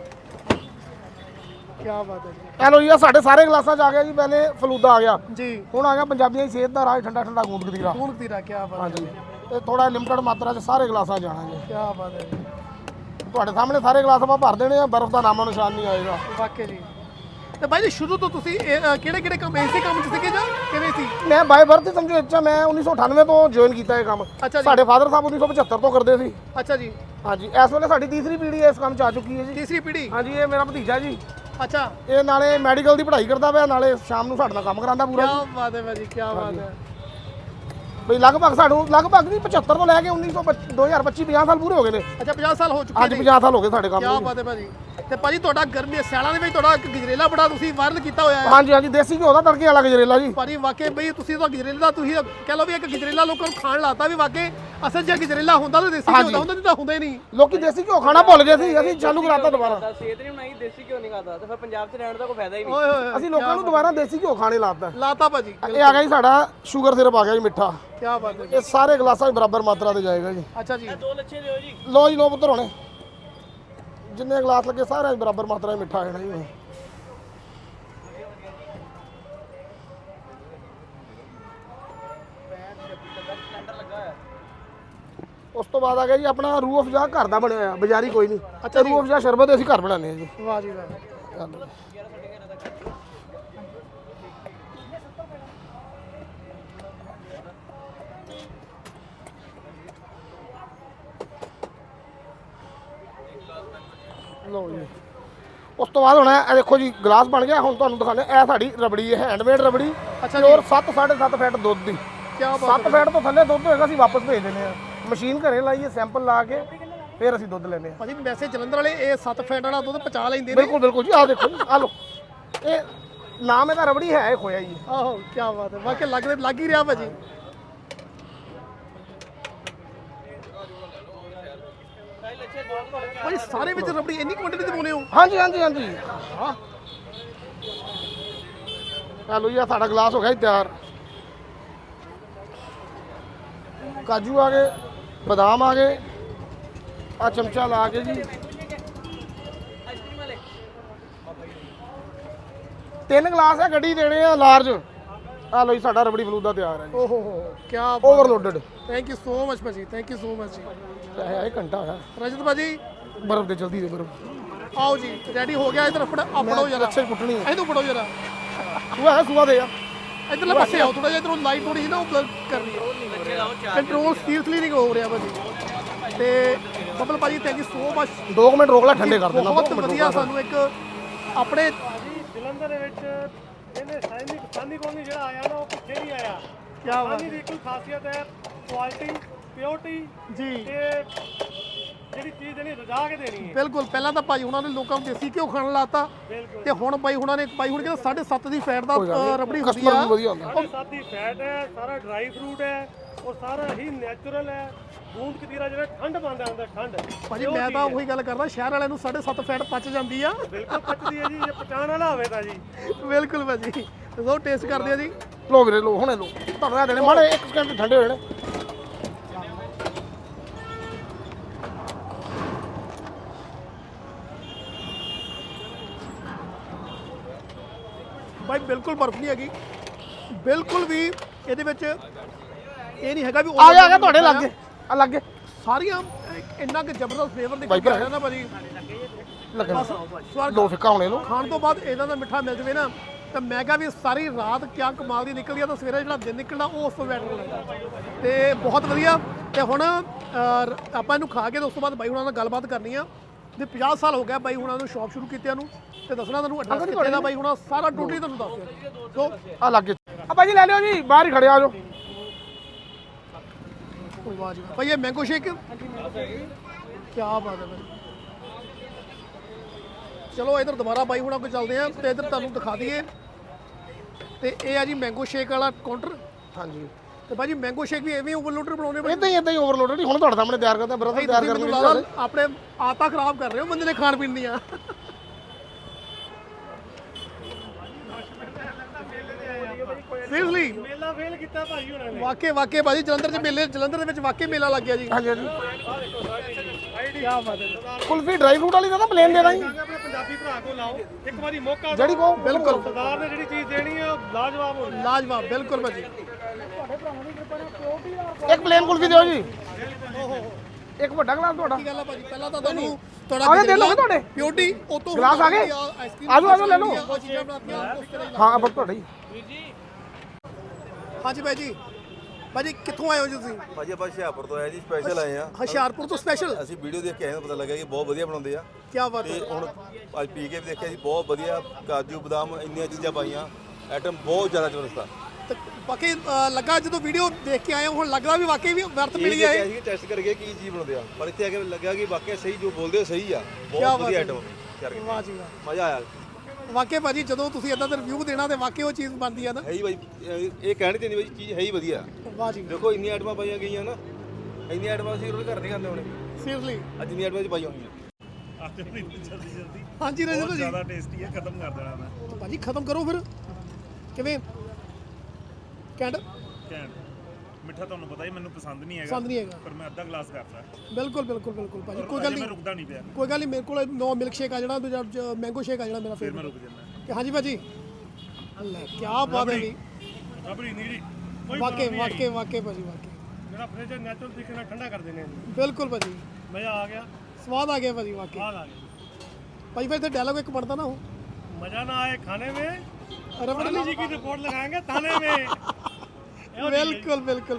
ਕੀ ਬਾਤ ਹੈ ਜੀ।
ਹੈਲੋ ਜੀ, ਆਹ ਸਾਡੇ ਸਾਰੇ ਗਲਾਸਾਂ 'ਚ ਆ ਗਿਆ ਜੀ। ਪਹਿਲੇ ਫਲੂਦਾ ਆ ਗਿਆ,
ਜੀ
ਹੁਣ ਆ ਗਿਆ ਪੰਜਾਬੀਆਂ ਦੀ ਸਿਹਤ ਦਾ ਰਾਜ ਠੰਡਾ ਠੰਡਾ ਗੂੰਦ ਕਤੀਰਾ।
ਕੌਣ ਤੀਰਾ ਕੀ ਬਾਤ ਹੈ।
ਹਾਂਜੀ ਇਹ ਥੋੜਾ ਲਿਮਟਡ ਮਾਤਰਾ 'ਚ ਸਾਰੇ ਗਲਾਸਾਂ 'ਚ ਜਾਣਾ ਜੀ।
ਕੀ ਬਾਤ ਹੈ ਜੀ।
ਤੁਹਾਡੇ ਸਾਹਮਣੇ ਸਾਰੇ ਗਲਾਸ ਆਪਾਂ ਭਰ ਦੇਣੇ ਆ, ਬਰਫ਼ ਦਾ ਨਾਮੋ ਨਿਸ਼ਾਨ ਨਹੀਂ ਆਏਗਾ।
ਵਾਕਈ ਜੀ। ਤੇ ਭਾਈ ਜੀ ਸ਼ੁਰੂ ਤੋਂ ਤੁਸੀਂ ਕਿਹੜੇ ਕਿਹੜੇ ਕੰਮ ਇਸੇ ਕੰਮ 'ਚ ਸੀਗੇ ਜਾਂ ਕਿਵੇਂ ਸੀ?
ਮੈਂ ਬਾਈ ਬਰਥ ਸਮਝੋ ਇੱਛਾ ਮੈਂ ਉੱਨੀ ਸੌ ਅਠਾਨਵੇਂ ਤੋਂ ਜੁਆਇਨ ਕੀਤਾ ਇਹ ਕੰਮ।
ਅੱਛਾ ਜੀ।
ਸਾਡੇ ਫਾਦਰ ਸਾਹਿਬ ਉੱਨੀ ਸੌ ਪਝੱਤਰ ਤੋਂ ਕਰਦੇ ਸੀ।
ਅੱਛਾ ਜੀ।
ਹਾਂਜੀ ਇਸ ਵੇਲੇ ਸਾਡੀ ਤੀਸਰੀ ਪੀੜ੍ਹੀ ਇਸ ਕੰਮ 'ਚ ਆ ਚੁੱਕੀ ਹੈ ਜੀ।
ਤੀਸਰੀ ਪੀੜ੍ਹੀ।
ਹਾਂਜੀ ਇਹ ਮੇਰਾ ਭਤੀਜਾ ਜੀ।
ਅੱਛਾ
ਇਹ ਨਾਲੇ ਮੈਡੀਕਲ ਦੀ ਪੜ੍ਹਾਈ ਕਰਦਾ ਪਿਆ, ਨਾਲੇ ਸ਼ਾਮ ਨੂੰ ਸਾਡੇ ਨਾਲ ਕੰਮ ਕਰਾਉਂਦਾ ਪੂਰਾ।
ਕੀ ਬਾਤ ਹੈ ਭਾਜੀ, ਕੀ ਬਾਤ ਹੈ।
ਬਈ ਲਗਭਗ ਸਾਨੂੰ ਲਗਭਗ ਨਹੀਂ ਪਝੱਤਰ ਤੋਂ ਲੈ ਕੇ ਉੱਨੀ ਸੌ ਦੋ ਹਜ਼ਾਰ ਪੱਚੀ ਪੰਜਾਹ ਸਾਲ ਪੂਰੇ ਹੋ ਗਏ ਨੇ।
ਅੱਛਾ ਪੰਜਾਹ ਸਾਲ ਹੋ ਚੁੱਕੇ
ਅੱਜ
ਨੇ।
ਪੰਜਾਹ ਸਾਲ ਹੋ ਗਏ ਸਾਡੇ ਕੰਮ
ਕੀ
ਨੂੰ।
ਬਾਤ ਹੈ ਭਾਜੀ। ਤੇ ਭਾਜੀ ਤੁਹਾਡਾ ਗਰਮੀ ਸਿਆਲਾਂ ਦੇ ਵਿੱਚ ਤੁਹਾਡਾ ਇੱਕ ਗਜਰੇਲਾ ਬੜਾ ਤੁਸੀਂ ਵਾਇਰਲ ਕੀਤਾ ਹੋਇਆ ਹੈ।
ਹਾਂਜੀ ਹਾਂਜੀ ਦੇਸੀ ਘਿਓ ਦਾ ਤੜਕੇ ਵਾਲਾ ਗਜਰੇਲਾ ਜੀ।
ਭਾਜੀ ਵਾਕਈ ਬਈ ਤੁਸੀਂ ਤਾਂ ਗਜਰੇਲੇ ਦਾ ਤੁਸੀਂ ਕਹਿ ਲਓ ਵੀ ਇੱਕ ਗਜਰੇਲਾ ਲੋਕਾਂ ਨੂੰ ਖਾਣ ਲਾਤਾ ਵੀ ਵਾਕਈ ਅਸਲ ਜੇ ਗਜਰੇਲਾ ਹੁੰਦਾ ਤਾਂ ਦੇਸੀ ਘਿਓ ਦਾ ਹੁੰਦਾ, ਨਹੀਂ ਤਾਂ ਹੁੰਦਾ ਹੀ ਨਹੀਂ।
ਲੋਕੀ ਦੇਸੀ ਘਿਓ ਖਾਣਾ ਭੁੱਲ ਗਏ ਸੀ, ਅਸੀਂ ਚਾਲੂ ਕਰਾਤਾ ਦੁਬਾਰਾ।
ਸਿਹਤ ਨਹੀਂ ਬਣਾਈ, ਦੇਸੀ ਕਿਉਂ ਨਹੀਂ ਖਾਦਾ ਤੇ ਫਿਰ ਪੰਜਾਬ 'ਚ ਰਹਿਣ ਦਾ ਕੋਈ ਫਾਇਦਾ ਹੀ ਨਹੀਂ।
ਓਏ ਹੋਏ
ਅਸੀਂ ਲੋਕਾਂ ਨੂੰ ਦੁਬਾਰਾ ਦੇਸੀ ਘਿਓ ਖਾਣੇ ਲਾਤਾ।
ਲਾਤਾ ਭਾਜੀ।
ਇਹ ਆ ਗਿਆ ਜੀ ਸਾਡਾ ਸ਼ੂਗਰ ਸਿਰਪ ਆ ਗਿਆ ਜੀ ਮਿੱਠਾ।
ਕੀ ਬਾਤ ਹੈ।
ਇਹ ਸਾਰੇ ਗਲਾਸਾਂ 'ਚ ਬਰਾਬਰ ਮਾਤਰਾ ਤੇ ਜਾਏਗਾ ਜੀ।
ਅੱਛਾ ਜੀ।
ਦੋ ਲੱਛੇ ਲਿਓ ਜੀ।
ਲੋ ਜੀ ਲੋ ਪੁੱਤਰ ਹੋਣੇ ਜਿੰਨੇ ਗਲਾਸ ਲੱਗੇ ਸਾਰਿਆਂ 'ਚ ਬਰਾਬਰ ਮਾਤਰਾ 'ਚ ਮਿੱਠਾ ਆ ਜਾਣਾ ਜੀ। ਤੋਂ ਬਾਅਦ ਆ ਗਿਆ ਜੀ ਆਪਣਾ ਰੂਹ ਅਫਜ਼ਾ ਘਰ ਦਾ ਬਣਿਆ ਹੋਇਆ, ਬਾਜ਼ਾਰੀ ਕੋਈ ਨਹੀਂ। ਅੱਛਾ, ਰੂਹ ਅਫਜ਼ਾ ਸ਼ਰਬਤ ਅਸੀਂ ਘਰ ਬਣਾਉਂਦੇ ਹਾਂ ਜੀ।
ਵਾਹ ਜੀ ਵਾਹ।
ਲਓ ਜੀ, ਉਸ ਤੋਂ ਬਾਅਦ ਹੁਣ ਇਹ ਦੇਖੋ ਜੀ ਗਲਾਸ ਬਣ ਗਿਆ। ਹੁਣ ਤੁਹਾਨੂੰ ਦਿਖਾਉਂਦੇ ਇਹ ਸਾਡੀ ਰਬੜੀ ਹੈ, ਹੈਂਡਮੇਡ ਰਬੜੀ।
ਅੱਛਾ
ਪਿਓਰ ਸੱਤ ਸਾਢੇ ਸੱਤ ਫੈਟ ਦੁੱਧ ਦੀ।
ਕੀ ਬਾਤ।
ਸੱਤ ਫੈਟ ਤੋਂ ਥੱਲੇ ਦੁੱਧ ਹੋਏਗਾ ਅਸੀਂ ਵਾਪਸ ਭੇਜ ਦਿੰਦੇ ਆ। ਮਸ਼ੀਨ ਘਰੇ ਲਾਈਏ, ਸੈਂਪਲ ਲਾ ਕੇ ਫਿਰ ਅਸੀਂ ਦੁੱਧ ਲੈਂਦੇ ਆ।
ਭਾਜੀ ਵੈਸੇ ਜਲੰਧਰ ਵਾਲੇ ਇਹ ਸੱਤ ਫੈਟ ਵਾਲਾ ਦੁੱਧ ਪਚਾ ਲੈਂਦੇ ਨੇ।
ਬਿਲਕੁਲ ਬਿਲਕੁਲ ਜੀ, ਆਹ ਦੇਖੋ ਜੀ, ਆਹ ਲਓ, ਇਹ ਨਾਮ ਇਹਦਾ ਰਬੜੀ ਹੈ, ਇਹ ਖੋਇਆ ਜੀ।
ਆਹੋ ਕੀ ਬਾਤ ਹੈ, ਵਾਕਿਆ ਲੱਗ ਲੱਗ ਹੀ ਰਿਹਾ ਭਾਜੀ। ਭਾਜੀ ਸਾਰੇ ਵਿੱਚ ਰਬੜੀ ਇੰਨੀ ਕੁਆਂਟੀਟੀ ਤੇ ਪਾਉਨੇ ਹੋ?
ਹਾਂਜੀ ਹਾਂਜੀ ਹਾਂਜੀ। ਹਾਂ, ਆ ਲਓ ਜੀ, ਆਹ ਸਾਡਾ ਗਲਾਸ ਹੋ ਗਿਆ ਜੀ ਤਿਆਰ। ਕਾਜੂ ਆ ਗਏ, ਬਦਾਮ ਆ ਗਏ, ਆ ਚਮਚਾ ਲਾ ਕੇ ਜੀ ਤਿੰਨ ਗਲਾਸ ਹੈ, ਗੱਡੀ ਦੇਣੇ ਆ ਲਾਰਜ। ਆ ਲਓ ਜੀ, ਸਾਡਾ ਰਬੜੀ ਫਲੂਦਾ ਤਿਆਰ ਹੈ ਜੀ।
ਓਹੋ ਹੋ ਕੀ
overloaded.
Thank you so much ਭਾਜੀ, ਥੈਂਕ ਯੂ ਸੋ ਮਚ ਜੀ।
ਚਾਹੇ ਆਏ ਘੰਟਾ ਹੋਇਆ
ਰਜਤ ਭਾਜੀ
ਬਰਫ਼ ਦੇ ਜਲਦੀ ਦੇ ਬਰਫ਼।
ਆਓ ਜੀ, ਰੈਡੀ ਹੋ ਗਿਆ। ਇਧਰ ਫੜ ਆਪੜੋ ਜਰਾ,
ਅੱਛੇ ਕੁੱਟਣੀ ਹੈ।
ਇਹਨੂੰ ਫੜੋ ਜਰਾ।
ਸੂਆ ਹੈ, ਸੂਆ ਦੇ ਆ।
ਇਧਰਲੇ ਪਾਸੇ ਆਓ ਥੋੜਾ ਜਿਹਾ, ਇਧਰੋਂ ਲਾਈਟ ਥੋੜੀ ਜਿਹੀ ਨਾ ਉਹ ਬਲਰ ਕਰਨੀ ਹੈ। ਕੰਟਰੋਲ ਸੀਰੀਅਸਲੀ ਨਹੀਂ ਹੋ ਰਿਹਾ ਭਾਜੀ। ਤੇ ਬੱਬਲ ਭਾਜੀ ਥੈਂਕ ਯੂ ਸੋ ਮਚ।
ਦੋ ਮਿੰਟ ਰੋਕ ਲੈ, ਠੰਡੇ ਕਰ ਦੇਣਾ।
ਬਹੁਤ ਵਧੀਆ, ਸਾਨੂੰ ਇੱਕ ਆਪਣੇ
ਜਲੰਧਰ ਦੇ ਵਿੱਚ ਇਹਨੇ ਸਾਈਨਿਕ ਸਾਨੀ ਕੋਲ ਜਿਹੜਾ ਆਇਆ ਨਾ ਉਹ ਪਿੱਛੇ ਨਹੀਂ ਆਇਆ।
ਕੀ ਬਾਤ
ਸਾਨੀ ਦੀ ਕੋਈ ਖਾਸੀਅਤ ਹੈ ਕੁਆਲਿਟੀ, ਪਿਓਰਟੀ
ਜੀ।
ਤੇ ਜਿਹੜੀ ਚੀਜ਼ ਦੇਣੀ ਰਜਾ ਕੇ ਦੇਣੀ ਹੈ।
ਬਿਲਕੁਲ, ਪਹਿਲਾਂ ਤਾਂ ਭਾਈ ਹੁਣਾਂ ਨੇ ਲੋਕਾਂ ਨੂੰ ਦੇਸੀ ਘਿਓ ਖਾਣ ਲਾਤਾ, ਤੇ ਹੁਣ ਬਾਈ ਹੁਣਾਂ ਨੇ ਬਾਈ ਹੁਣ ਕਹਿੰਦਾ ਸਾਢੇ ਸੱਤ ਦੀ ਫੈਟ ਦਾ ਅ, ਰਬੜੀ ਹੁੰਦੀ
ਕਸਟਮਰ
ਆ।
ਵੀ ਵਧੀਆ ਹੁੰਦਾ।
ਸਾਢੇ ਸੱਤ ਦੀ ਫੈਟ ਹੈ, ਸਾਰਾ ਡਰਾਈ ਫਰੂਟ ਹੈ ਔਰ ਸਾਰਾ ਹੀ ਨੈਚੁਰਲ ਹੈ। ਗੂੰਦ ਕਤੀਰਾ ਜਿਹੜਾ ਠੰਡ ਪਾਉਂਦਾ ਹੁੰਦਾ, ਠੰਡ
ਭਾਜੀ ਮੈਂ ਤਾਂ ਉਹੀ ਗੱਲ ਕਰਦਾ, ਸ਼ਹਿਰ ਵਾਲਿਆਂ ਨੂੰ ਸਾਢੇ ਸੱਤ ਫੈਟ ਪਚ ਜਾਂਦੀ ਆ।
ਬਿਲਕੁਲ ਪਚਦੀ ਹੈ ਜੀ, ਜੇ ਪਚਾਣ ਵਾਲਾ ਹੋਵੇ ਤਾਂ ਜੀ।
ਬਿਲਕੁਲ ਭਾਜੀ, ਲੋ ਟੇਸਟ ਕਰਦੇ ਆ ਜੀ।
ਲੋ ਵੀਰੇ ਲੋ, ਹੁਣੇ ਲੋ, ਤੁਹਾਨੂੰ ਇਹ ਦੇਣੇ ਮਾੜੇ ਇੱਕ ਸਕਿੰਟ ਠੰਡੇ ਹੋਏ ਨੇ।
ਭਾਈ ਬਿਲਕੁਲ ਬਰਫ ਨਹੀਂ ਹੈਗੀ, ਬਿਲਕੁਲ ਵੀ ਇਹਦੇ ਵਿੱਚ ਇਹ ਨਹੀਂ ਹੈਗਾ ਵੀ
ਆ ਗਿਆ ਆ ਗਿਆ ਤੁਹਾਡੇ ਲੱਗੇ ਆ ਲੱਗੇ
ਸਾਰੀਆਂ ਇੰਨਾ ਕਿ ਜ਼ਬਰਦਸਤ ਫਲੇਵਰ ਦੇ
ਬਾਈ
ਕੇ
ਭਰਾ।
ਆਇਆ ਨਾ ਭਾਜੀ।
ਲੱਗੇ
ਬਸ ਸਵਾਦ
ਲੋ ਫਿੱਕਾ ਹੋਣੇ ਲੋ।
ਖਾਣ ਤੋਂ ਬਾਅਦ ਇਹਨਾਂ ਦਾ ਮਿੱਠਾ ਮਿਲ ਜਵੇ ਨਾ, ਤਾਂ ਮੈਂ ਕਿਹਾ ਵੀ ਸਾਰੀ ਰਾਤ ਕਿਆ ਕਮਾਲ ਦੀ ਨਿਕਲਦੀ ਆ, ਤਾਂ ਸਵੇਰੇ ਜਿਹੜਾ ਦਿਨ ਨਿਕਲਣਾ ਉਹ ਉਸ ਤੋਂ ਬੈਟਰ ਹੋਣਾ। ਤੇ ਬਹੁਤ ਵਧੀਆ। ਤੇ ਹੁਣ ਅਹ, ਆਪਾਂ ਇਹਨੂੰ ਖਾ ਕੇ ਤੇ ਉਸ ਤੋਂ ਬਾਅਦ ਬਾਈ ਹੁਣਾਂ ਨਾਲ ਗੱਲਬਾਤ ਕਰਨੀ ਆ। ਤੇ ਪੰਜਾਹ ਸਾਲ ਹੋ ਗਿਆ ਬਾਈ ਹੁਣਾਂ ਨੂੰ ਸ਼ੌਪ ਸ਼ੁਰੂ ਕੀਤਿਆਂ ਨੂੰ, ਤੇ ਦੱਸਣਾ ਤੁਹਾਨੂੰ ਐਡਰੈਸ ਕਿੱਥੇ ਦਾ ਬਾਈ ਹੁਣਾਂ ਸਾਰਾ ਟੋਟਲੀ ਤੁਹਾਨੂੰ ਦੱਸ ਦਿਓ। ਸੋ
ਆ ਲੱਗੇ ਆ ਭਾਜੀ ਲੈ ਲਿਓ ਜੀ, ਬਾਹਰ ਹੀ ਖੜੇ ਆ ਜਾਓ।
ਵਾਹ ਜੀ ਵਾਹ। ਭਾਈ ਇਹ ਮੈਂਗੋ ਸ਼ੇਕ ਕੀ ਬਾਤ ਹੈ ਭਾਈ। ਚਲੋ ਇਧਰ ਦੁਬਾਰਾ ਬਾਈ ਹੁਣਾਂ ਕੋਲ ਚੱਲਦੇ ਆ, ਤੇ ਇਧਰ ਤੁਹਾਨੂੰ ਦਿਖਾ ਦਈਏ। ਤੇ ਇਹ ਆ ਜੀ ਮੈਂਗੋ ਸ਼ੇਕ ਵਾਲਾ ਕਾਊਂਟਰ।
ਹਾਂਜੀ,
ਤੇ ਭਾਜੀ ਮੈਂਗੋ ਸ਼ੇਕ ਵੀ ਐਵੇਂ ਓਵਰਲੋਡਰ ਬਣਾਉਣੇ ਭਾਈ?
ਇਦਾਂ ਹੀ ਇਦਾਂ ਹੀ ਓਵਰਲੋਡਡ। ਹੁਣ ਤੁਹਾਡੇ ਸਾਹਮਣੇ ਤਿਆਰ ਕਰਦੇ ਆ, ਬਰਫ਼ ਤਿਆਰ
ਤੁਸੀਂ
ਕਰਨੀ
ਮੈਨੂੰ ਲੱਗਦਾ ਆਪਣੇ ਆਦਤਾਂ ਖਰਾਬ ਕਰ ਰਹੇ ਹੋ ਬੰਦੇ ਨੇ ਖਾਣ ਪੀਣ ਦੀਆਂ। ਸੀਰੀਅਸਲੀ
ਮੇਲਾ ਫੇਲ ਕੀਤਾ ਭਾਈ ਉਹਨਾਂ ਨੇ।
ਵਾਕੇ ਵਾਕੇ ਭਾਜੀ ਜਲੰਧਰ ਚ ਮੇਲੇ, ਜਲੰਧਰ ਦੇ ਵਿੱਚ ਵਾਕੇ ਮੇਲਾ ਲੱਗ ਗਿਆ ਜੀ।
ਹਾਂਜੀ ਹਾਂਜੀ।
ਕੀ ਬਾਤ ਹੈ।
ਕੁਲਫੀ ਡਰਾਈ ਫਰੂਟ ਵਾਲੀ ਦਾ ਨਾ ਪਲੇਨ ਦੇਣਾ ਜੀ,
ਆਪਣੇ ਪੰਜਾਬੀ ਭਰਾ ਕੋਲ ਲਾਓ ਇੱਕ ਵਾਰੀ ਮੌਕਾ ਦਿਓ।
ਜਿਹੜੀ ਕੋ
ਬਿਲਕੁਲ
ਸਰਦਾਰ ਨੇ ਜਿਹੜੀ ਚੀਜ਼ ਦੇਣੀ ਹੈ ਉਹ ਲਾਜਵਾਬ ਹੋਣੀ।
ਲਾਜਵਾਬ, ਬਿਲਕੁਲ ਭਾਜੀ।
ਇੱਕ ਪਲੇਨ ਕੁਲਫੀ ਦਿਓ ਜੀ। ਇੱਕ ਵੱਡਾ ਗਲਾਸ ਤੁਹਾਡਾ।
ਕੀ ਗੱਲ ਆ ਭਾਜੀ, ਪਹਿਲਾਂ ਤਾਂ ਤੁਹਾਨੂੰ ਤੁਹਾਡਾ
ਆ ਗਏ ਦੇ ਲਓ ਤੁਹਾਡੇ
ਪਿਓਰਟੀ ਉਹ ਤੋਂ
ਗਲਾਸ ਆ ਗਏ? ਆਜੋ ਆਜੋ ਲੈ ਲਓ।
ਉਹ ਚੀਜ਼ਾਂ ਬਣਾਤੀਆਂ ਉਸ ਤਰ੍ਹਾਂ ਹੀ।
ਹਾਂ ਬਸ ਤੁਹਾਡਾ ਹੀ।
ਹਾਂਜੀ ਭਾਈ ਜੀ, ਭਾਜੀ ਕਿੱਥੋਂ ਆਏ ਹੋ ਜੀ ਤੁਸੀਂ?
ਭਾਜੀ ਆਪਾਂ ਹੁਸ਼ਿਆਰਪੁਰ ਤੋਂ ਆਏ ਜੀ, ਸਪੈਸ਼ਲ ਆਏ ਆ।
ਹੁਸ਼ਿਆਰਪੁਰ ਤੋਂ ਸਪੈਸ਼ਲ?
ਅਸੀਂ ਵੀਡੀਓ ਦੇਖ ਕੇ ਆਏ ਤਾਂ ਪਤਾ ਲੱਗਾ ਕਿ ਬਹੁਤ ਵਧੀਆ ਬਣਾਉਂਦੇ ਆ।
ਕੀ ਬਾਤ
ਤੇ
ਹੈ।
ਹੁਣ ਅੱਜ ਪੀ ਕੇ ਵੀ ਦੇਖਿਆ ਜੀ, ਬਹੁਤ ਵਧੀਆ ਕਾਜੂ ਬਦਾਮ ਇੰਨੀਆਂ ਚੀਜ਼ਾਂ ਪਾਈਆਂ, ਆਈਟਮ ਬਹੁਤ ਜ਼ਿਆਦਾ ਜ਼ਬਰਦਸਤ ਆ।
ਤੇ ਬਾਕੀ ਅ, ਲੱਗਾ ਜਦੋਂ ਵੀਡੀਓ ਦੇਖ ਕੇ ਆਏ ਹੋ, ਹੁਣ ਲੱਗਦਾ ਵੀ ਵਾਕਈ ਵੀ ਵਰਤ ਮਿਲੀ
ਇਹ
ਹੈ।
ਦੇਖਿਆ ਸੀ ਟੈਸਟ ਕਰਕੇ ਕੀ ਚੀਜ਼ ਬਣਾਉਂਦੇ ਆ, ਪਰ ਇੱਥੇ ਆ ਕੇ ਲੱਗਿਆ ਕਿ ਵਾਕਿਆ ਸਹੀ ਜੋ ਬੋਲਦੇ ਹੋ ਸਹੀ ਆ। ਬਹੁਤ
ਬਾਤ
ਵਧੀਆ
ਹੈ।
ਆਈਟਮ ਕਰਕੇ
ਵਾਹ ਜੀ ਵਾਹ।
ਮਜ਼ਾ ਆਇਆ।
ਵਾਕਈ ਭਾਜੀ ਜਦੋਂ ਤੁਸੀਂ ਇਦਾਂ ਦਾ ਰਿਵਿਊ ਦੇਣਾ ਤੇ ਵਾਕਈ ਉਹ ਚੀਜ਼ ਬਣਦੀ ਆ ਨਾ।
ਹੈ ਹੀ ਬਾਈ, ਇਹ ਇਹ ਕਹਿਣੀ ਤੇ ਨਹੀਂ ਬਾਈ, ਚੀਜ਼ ਹੈ ਹੀ ਵਧੀਆ।
ਵਾਹ ਜੀ
ਦੇਖੋ ਇੰਨੀਆਂ ਆਈਟਮਾਂ ਪਾਈਆਂ ਗਈਆਂ ਨਾ, ਇੰਨੀਆਂ ਆਈਟਮਾਂ ਅਸੀਂ ਰੋਜ਼ ਘਰ ਨਹੀਂ ਖਾਂਦੇ ਹੋਣੇ,
ਸੀਰੀਅਸਲੀ।
ਅੱਜ ਇੰਨੀਆਂ ਆਈਟਮਾਂ ਚ ਪਾਈਆਂ ਹੋਈਆਂ।
ਜਲਦੀ ਜਲਦੀ
ਹਾਂਜੀ ਰਜਤ ਜੀ,
ਜ਼ਿਆਦਾ ਟੇਸਟੀ ਹੈ, ਖਤਮ ਕਰ ਦੇਣਾ ਮੈਂ।
ਭਾਜੀ ਖਤਮ ਕਰੋ ਫਿਰ। ਕਿਵੇਂ ਕੈਂਡ
ਕਹਿਣ ਮਿੱਠਾ ਤੁਹਾਨੂੰ ਪਤਾ ਹੀ ਮੈਨੂੰ ਪਸੰਦ ਨਹੀਂ ਹੈਗਾ,
ਪਸੰਦ ਨਹੀਂ ਹੈਗਾ।
ਪਰ ਮੈਂ ਅੱਧਾ ਗਲਾਸ ਕਰਤਾ।
ਬਿਲਕੁਲ ਬਿਲਕੁਲ ਬਿਲਕੁਲ ਭਾਜੀ, ਕੋਈ ਗੱਲ
ਮੈਂ
ਨਹੀਂ,
ਰੁਕਦਾ ਨਹੀਂ ਪਿਆ,
ਕੋਈ ਗੱਲ ਨਹੀਂ। ਮੇਰੇ ਕੋਲ ਨੋ ਮਿਲਕ ਸ਼ੇਕ ਆ ਜਿਹੜਾ, ਦੂਜਾ ਮੈਂਗੋ ਸ਼ੇਕ ਆ ਜਿਹੜਾ ਮੇਰਾ
ਫਿਰ ਮੈਂ
ਫੇਵਰਟ।
ਰੁਕ ਜਾਂਦਾ।
ਕਿ ਹਾਂਜੀ ਭਾਜੀ, ਲੈ ਕੀ ਬਾਤ ਹੈ ਜੀ।
ਰਬੜੀ ਨੀਰੀ ਕੋਈ
ਵਾਕਈ ਵਾਕਈ ਵਾਕਈ ਭਾਜੀ ਵਾਕਈ।
ਜਿਹੜਾ ਫ੍ਰਿਜ ਨੈਚੁਰਲ ਤਰੀਕੇ ਨਾਲ ਠੰਡਾ ਕਰ ਦਿੰਦੇ ਆ
ਬਿਲਕੁਲ ਭਾਜੀ,
ਮਜ਼ਾ ਆ ਗਿਆ
ਸਵਾਦ ਆ ਗਿਆ ਭਾਜੀ ਵਾਕਈ।
ਬਾਹਰ ਆ ਗਿਆ
ਭਾਈ ਫਿਰ ਇੱਥੇ ਡਾਇਲੌਗ ਇੱਕ ਪੜਦਾ ਨਾ ਹੋ,
मजा ना आए खाने में
ਰਬੜ
जी की रिपोर्ट लगाएंगे थाने में
ਬਿਲਕੁਲ ਬਿਲकुल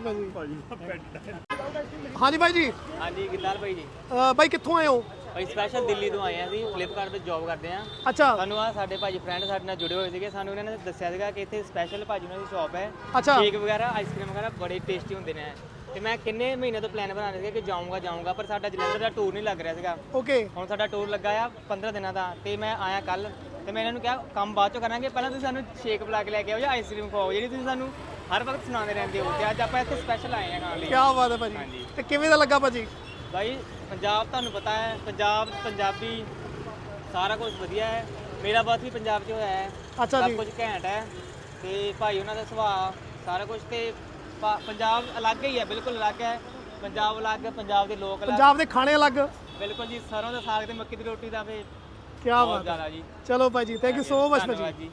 ਭਾਜੀ। ਹਾਂਜੀ ਭਾਈ ਜੀ,
ਹਾਂਜੀ ਗਿੱਦਾਲ ਭਾਈ ਜੀ,
ਅਹ ਭਾਈ ਕਿੱਥੋਂ ਆਏ ਹੋ?
ਭਾਈ ਸਪੈਸ਼ਲ ਦਿੱਲੀ ਤੋਂ ਆਏ ਆ ਅਸੀਂ, ਫਲਿੱਪਕਾਰਟ ਤੇ ਜੌਬ ਕਰਦੇ ਆ।
ਅੱਛਾ
ਸਾਨੂੰ ਆ ਸਾਡੇ ਭਾਜੀ ਫਰੈਂਡ ਸਾਡੇ ਨਾਲ ਜੁੜੇ ਹੋਏ ਸੀਗੇ, ਸਾਨੂੰ ਇਹਨਾਂ ਨੇ ਦੱਸਿਆ ਸੀਗਾ ਕਿ ਇੱਥੇ ਸਪੈਸ਼ਲ ਭਾਜੀ ਉਹਨਾਂ ਦੀ ਸ਼ਾਪ ਹੈ,
ਅੱਛਾ
ਕੇਕ ਵਗੈਰਾ ਆਈਸਕ੍ਰੀਮ ਵਗੈਰਾ ਬੜੇ ਟੇਸਟੀ ਹੁੰਦੇ ਨੇ। ਤੇ ਮੈਂ ਕਿੰਨੇ ਮਹੀਨੇ ਤੋਂ ਪਲਾਨ ਬਣਾ ਰਿਹਾ ਸੀਗਾ ਕਿ ਜਾਊਂਗਾ ਜਾਊਂਗਾ ਪਰ ਸਾਡਾ ਜਲੰਧਰ ਦਾ ਟੂਰ ਨਹੀਂ ਲੱਗ ਰਿਹਾ ਸੀਗਾ।
ਓਕੇ
ਹੁਣ ਸਾਡਾ ਟੂਰ ਲੱਗਾ ਆ ਪੰਦਰਾਂ ਦਿਨਾਂ ਦਾ ਤੇ ਮੈਂ ਆਇਆ ਕੱਲ ਤੇ ਮੈਂ ਇਹਨਾਂ ਨੂੰ ਕਿਹਾ ਕੰਮ ਬਾਅਦ ਚੋਂ ਕਰਾਂਗੇ, ਪਹਿਲਾਂ ਤੁਸੀਂ ਸਾਨੂੰ ਸ਼ੇਕ ਬੁਲਾ ਕੇ ਲੈ ਕੇ ਆਓ ਜਾਂ ਆਈਸਕ੍ਰੀਮ ਖਵਾਓ ਜਿਹੜੀ ਤੁਸੀਂ ਸਾਨੂੰ ਹਰ ਵਕਤ ਸੁਣਾਉਂਦੇ ਰਹਿੰਦੇ ਹੋ। ਤੇ ਅੱਜ ਆਪਾਂ ਇੱਥੇ ਸਪੈਸ਼ਲ ਆਏ ਆ ਖਾਣ ਲਈ।
ਕੀ ਬਾਤ ਹੈ ਭਾਜੀ। ਤੇ ਕਿਵੇਂ ਦਾ ਲੱਗਾ ਭਾਜੀ?
ਭਾਈ ਪੰਜਾਬ ਤੁਹਾਨੂੰ ਪਤਾ ਹੈ, ਪੰਜਾਬ ਪੰਜਾਬੀ ਸਾਰਾ ਕੁਝ ਵਧੀਆ ਹੈ। ਮੇਰਾ ਬਰਥ ਵੀ ਪੰਜਾਬ 'ਚ ਹੋਇਆ ਹੈ,
ਅੱਛਾ
ਸਭ
ਜੀ।
ਕੁਝ ਘੈਂਟ ਹੈ ਤੇ ਭਾਈ ਉਹਨਾਂ ਦਾ ਸੁਭਾਅ ਸਾਰਾ ਕੁਝ ਤੇ ਪਾ- ਪੰਜਾਬ ਅਲੱਗ ਹੀ ਹੈ, ਬਿਲਕੁਲ ਅਲੱਗ ਹੈ। ਪੰਜਾਬ ਅਲੱਗ, ਪੰਜਾਬ ਦੇ ਲੋਕ ਅਲੱਗ,
ਪੰਜਾਬ ਦੇ ਖਾਣੇ ਅਲੱਗ।
ਬਿਲਕੁਲ ਜੀ। ਸਰੋਂ ਦਾ ਸਾਗ ਤੇ ਮੱਕੀ ਦੀ ਰੋਟੀ ਦਾ ਫੇ
ਕੀ
ਬਹੁਤ
ਬਾਤ ਹੈ।
ਜ਼ਿਆਦਾ ਜੀ।
ਚਲੋ ਭਾਈ ਜੀ, ਥੈਂਕ ਯੂ ਸੋ ਮਚ
ਧੰਨਵਾਦ
ਭਾਜੀ।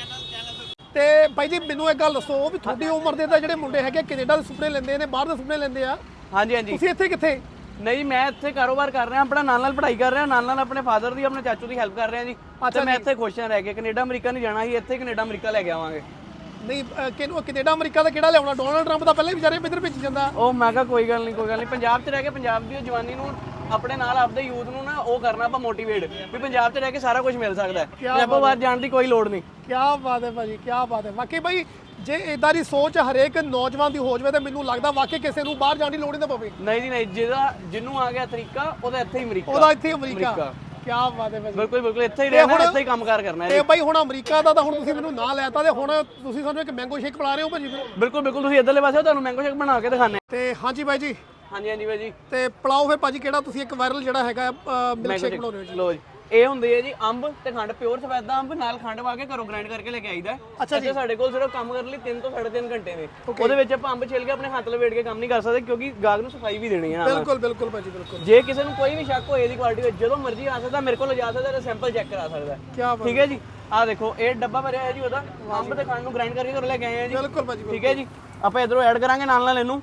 ਜੀ।
ਤੇ ਭਾਈ ਜੀ ਮੈਨੂੰ ਇੱਕ ਗੱਲ ਦੱਸੋ ਵੀ ਤੁਹਾਡੀ ਉਮਰ ਦੇ ਤਾਂ ਜਿਹੜੇ ਮੁੰਡੇ ਹੈਗੇ ਕੈਨੇਡਾ ਦੇ ਸੁਪਨੇ ਲੈਂਦੇ ਨੇ, ਬਾਹਰ ਦੇ ਸੁਪਨੇ ਲੈਂਦੇ ਆ,
ਹਾਂਜੀ ਹਾਂਜੀ
ਤੁਸੀਂ ਇੱਥੇ ਕਿੱਥੇ?
ਨਹੀਂ ਮੈਂ ਇੱਥੇ ਕਾਰੋਬਾਰ ਕਰ ਰਿਹਾ, ਆਪਣਾ ਨਾਲ ਨਾਲ ਪੜ੍ਹਾਈ ਕਰ ਰਿਹਾ, ਨਾਲ ਨਾਲ ਆਪਣੇ ਫਾਦਰ ਦੀ ਆਪਣੇ ਚਾਚੂ ਦੀ ਹੈਲਪ ਕਰ ਰਿਹਾ ਜੀ। ਤੇ ਮੈਂ ਇੱਥੇ ਖੁਸ਼ ਹਾਂ ਰਹਿ ਕੇ। ਕੈਨੇਡਾ ਅਮਰੀਕਾ ਨਹੀਂ ਜਾਣਾ, ਸੀ ਇੱਥੇ ਕੈਨੇਡਾ ਅਮਰੀਕਾ ਲੈ ਕੇ ਆਵਾਂਗੇ।
ਨਹੀਂ ਅਹ, ਕਿਹਨੂੰ ਕੈਨੇਡਾ ਅਮਰੀਕਾ ਦਾ ਕਿਹੜਾ ਲਿਆਉਣਾ? ਡੋਨਲਡ ਟਰੰਪ ਦਾ ਪਹਿਲੇ ਵਿਚਾਰੇ ਇੱਧਰ ਭੇਜੀ ਜਾਂਦਾ।
ਉਹ ਮੈਂ ਕਿਹਾ ਕੋਈ ਗੱਲ ਨਹੀਂ ਕੋਈ ਗੱਲ ਨਹੀਂ, ਪੰਜਾਬ 'ਚ ਰਹਿ ਕੇ ਪੰਜਾਬ ਦੀ ਜਵਾਨੀ ਨੂੰ ਆਪਣੇ ਨਾਲ ਆਪਦੇ ਯੂਥ ਨੂੰ ਨਾ ਉਹ ਕਰਨਾ ਆਪਾਂ ਮੋਟੀਵੇਟ ਵੀ ਪੰਜਾਬ 'ਚ ਰਹਿ ਕੇ ਸਾਰਾ ਕੁਝ ਮਿਲ ਸਕਦਾ ਹੈ, ਪੰਜਾਬੋਂ ਬਾਹਰ ਜਾਣ ਦੀ ਕੋਈ ਲੋੜ ਨਹੀਂ।
ਕੀ ਬਾਤ ਹੈ ਭਾਜੀ, ਕੀ ਬਾਤ ਹੈ। ਵਾਕਈ ਭਾਈ ਜੇ ਇਦਾਂ ਦੀ ਸੋਚ ਹਰੇਕ ਨੌਜਵਾਨ ਦੀ ਹੋ ਜਾਵੇ ਤਾਂ ਮੈਨੂੰ ਲੱਗਦਾ ਵਾਕਈ ਕਿਸੇ ਨੂੰ ਬਾਹਰ ਜਾਣ ਦੀ ਲੋੜ ਹੀ ਨਾ ਪਵੇ।
ਨਹੀਂ ਜੀ ਨਹੀਂ, ਜਿਹਦਾ ਜਿਹਨੂੰ ਆ ਗਿਆ ਤਰੀਕਾ ਉਹਦਾ ਇੱਥੇ ਹੀ ਅਮਰੀਕਾ।
ਉਹਦਾ ਇੱਥੇ ਅਮਰੀਕਾ। ਕੀ ਬਾਤ ਹੈ ਭਾਜੀ।
ਬਿਲਕੁਲ ਬਿਲਕੁਲ ਇੱਥੇ ਹੀ ਰਹਿਣਾ, ਇੱਥੇ ਹੀ ਕੰਮਕਾਰ ਕਰਨਾ ਹੈ
ਤੇ ਭਾਈ ਹੁਣ ਅਮਰੀਕਾ ਦਾ ਤਾਂ ਹੁਣ ਤੁਸੀਂ ਮੈਨੂੰ ਨਾਂ ਲੈਤਾ ਤੇ ਹੁਣ ਤੁਸੀਂ ਸਾਨੂੰ ਇੱਕ ਮੈਂਗੋ ਸ਼ੇਕ ਪਿਲਾ ਰਹੇ ਹੋ ਭਾਜੀ।
ਬਿਲਕੁਲ ਬਿਲਕੁਲ ਤੁਸੀਂ ਇੱਧਰਲੇ ਪਾਸੇ ਹੋ, ਤੁਹਾਨੂੰ ਮੈਂਗੋ ਸ਼ੇਕ ਬਣਾ ਕੇ ਦਿਖਾਣੇ।
ਤੇ ਹਾਂਜੀ ਭਾਈ ਜੀ,
ਹਾਂਜੀ ਹਾਂਜੀ ਭਾਈ ਜੀ।
ਤੇ ਪਿਲਾਓ ਫਿਰ ਭਾਜੀ ਕਿਹੜਾ ਤੁਸੀਂ ਇੱਕ ਵਾਇਰਲ ਜਿਹੜਾ ਹੈਗਾ ਮਿਲਕ ਸ਼ੇਕ ਬਣਾ ਰਹੇ ਹੋ ਜੀ?
ਲੋ ਜੀ, ਇਹ ਹੁੰਦੇ ਆ ਜੀ ਅੰਬ ਤੇ ਖੰਡ, ਪਿਓਰ ਸਫੈਦਾ ਅੰਬ ਨਾਲ ਖੰਡ ਪਾ ਕੇ ਘਰੋਂ ਗ੍ਰਾਈਂਡ ਕਰਕੇ ਲੈ ਕੇ ਆਈਦਾ।
ਅੱਛਾ ਜੀ।
ਇੱਥੇ ਸਾਡੇ ਕੋਲ ਸਿਰਫ ਕੰਮ ਕਰਨ ਲਈ ਤਿੰਨ ਤੋਂ ਸਾਢੇ ਤਿੰਨ ਘੰਟੇ ਨੇ। ਉਹਦੇ ਵਿੱਚ ਆਪਾਂ ਅੰਬ ਛਿੱਲ ਕੇ ਆਪਣੇ ਹੱਥ ਲਵੇਟ ਕੇ ਕੰਮ ਨਹੀਂ ਕਰ ਸਕਦੇ ਕਿਉਂਕਿ ਗਾਹਕ ਨੂੰ ਸਫਾਈ ਵੀ ਦੇਣੀ ਹੈ ਨਾਲ।
ਬਿਲਕੁਲ ਬਿਲਕੁਲ ਭਾਜੀ ਬਿਲਕੁਲ।
ਜੇ ਕਿਸੇ ਨੂੰ ਕੋਈ ਵੀ ਸ਼ੱਕ ਹੋਏ ਇਹਦੀ ਕੁਆਲਿਟੀ ਵਿੱਚ ਜਦੋਂ ਮਰਜ਼ੀ ਆ ਸਕਦਾ, ਮੇਰੇ ਕੋਲ ਲਿਜਾ ਸਕਦਾ ਤੇ ਸੈਂਪਲ ਚੈੱਕ ਕਰਾ ਸਕਦਾ।
ਕੀ ਬਾਤ।
ਠੀਕ ਹੈ ਜੀ। ਆਹ ਦੇਖੋ ਇਹ ਡੱਬਾ ਭਰਿਆ ਹੈ ਜੀ ਉਹਦਾ, ਅੰਬ ਤੇ ਖੰਡ ਨੂੰ ਗ੍ਰਾਈਂਡ ਕਰਕੇ ਘਰੋਂ ਲੈ ਕੇ ਆਏ ਆ ਜੀ।
ਬਿਲਕੁਲ ਭਾਜੀ।
ਠੀਕ ਹੈ ਜੀ। ਆਪਾਂ ਇਧਰੋਂ ਐਡ ਕਰਾਂਗੇ ਨਾਲ ਨਾਲ ਇਹਨੂੰ।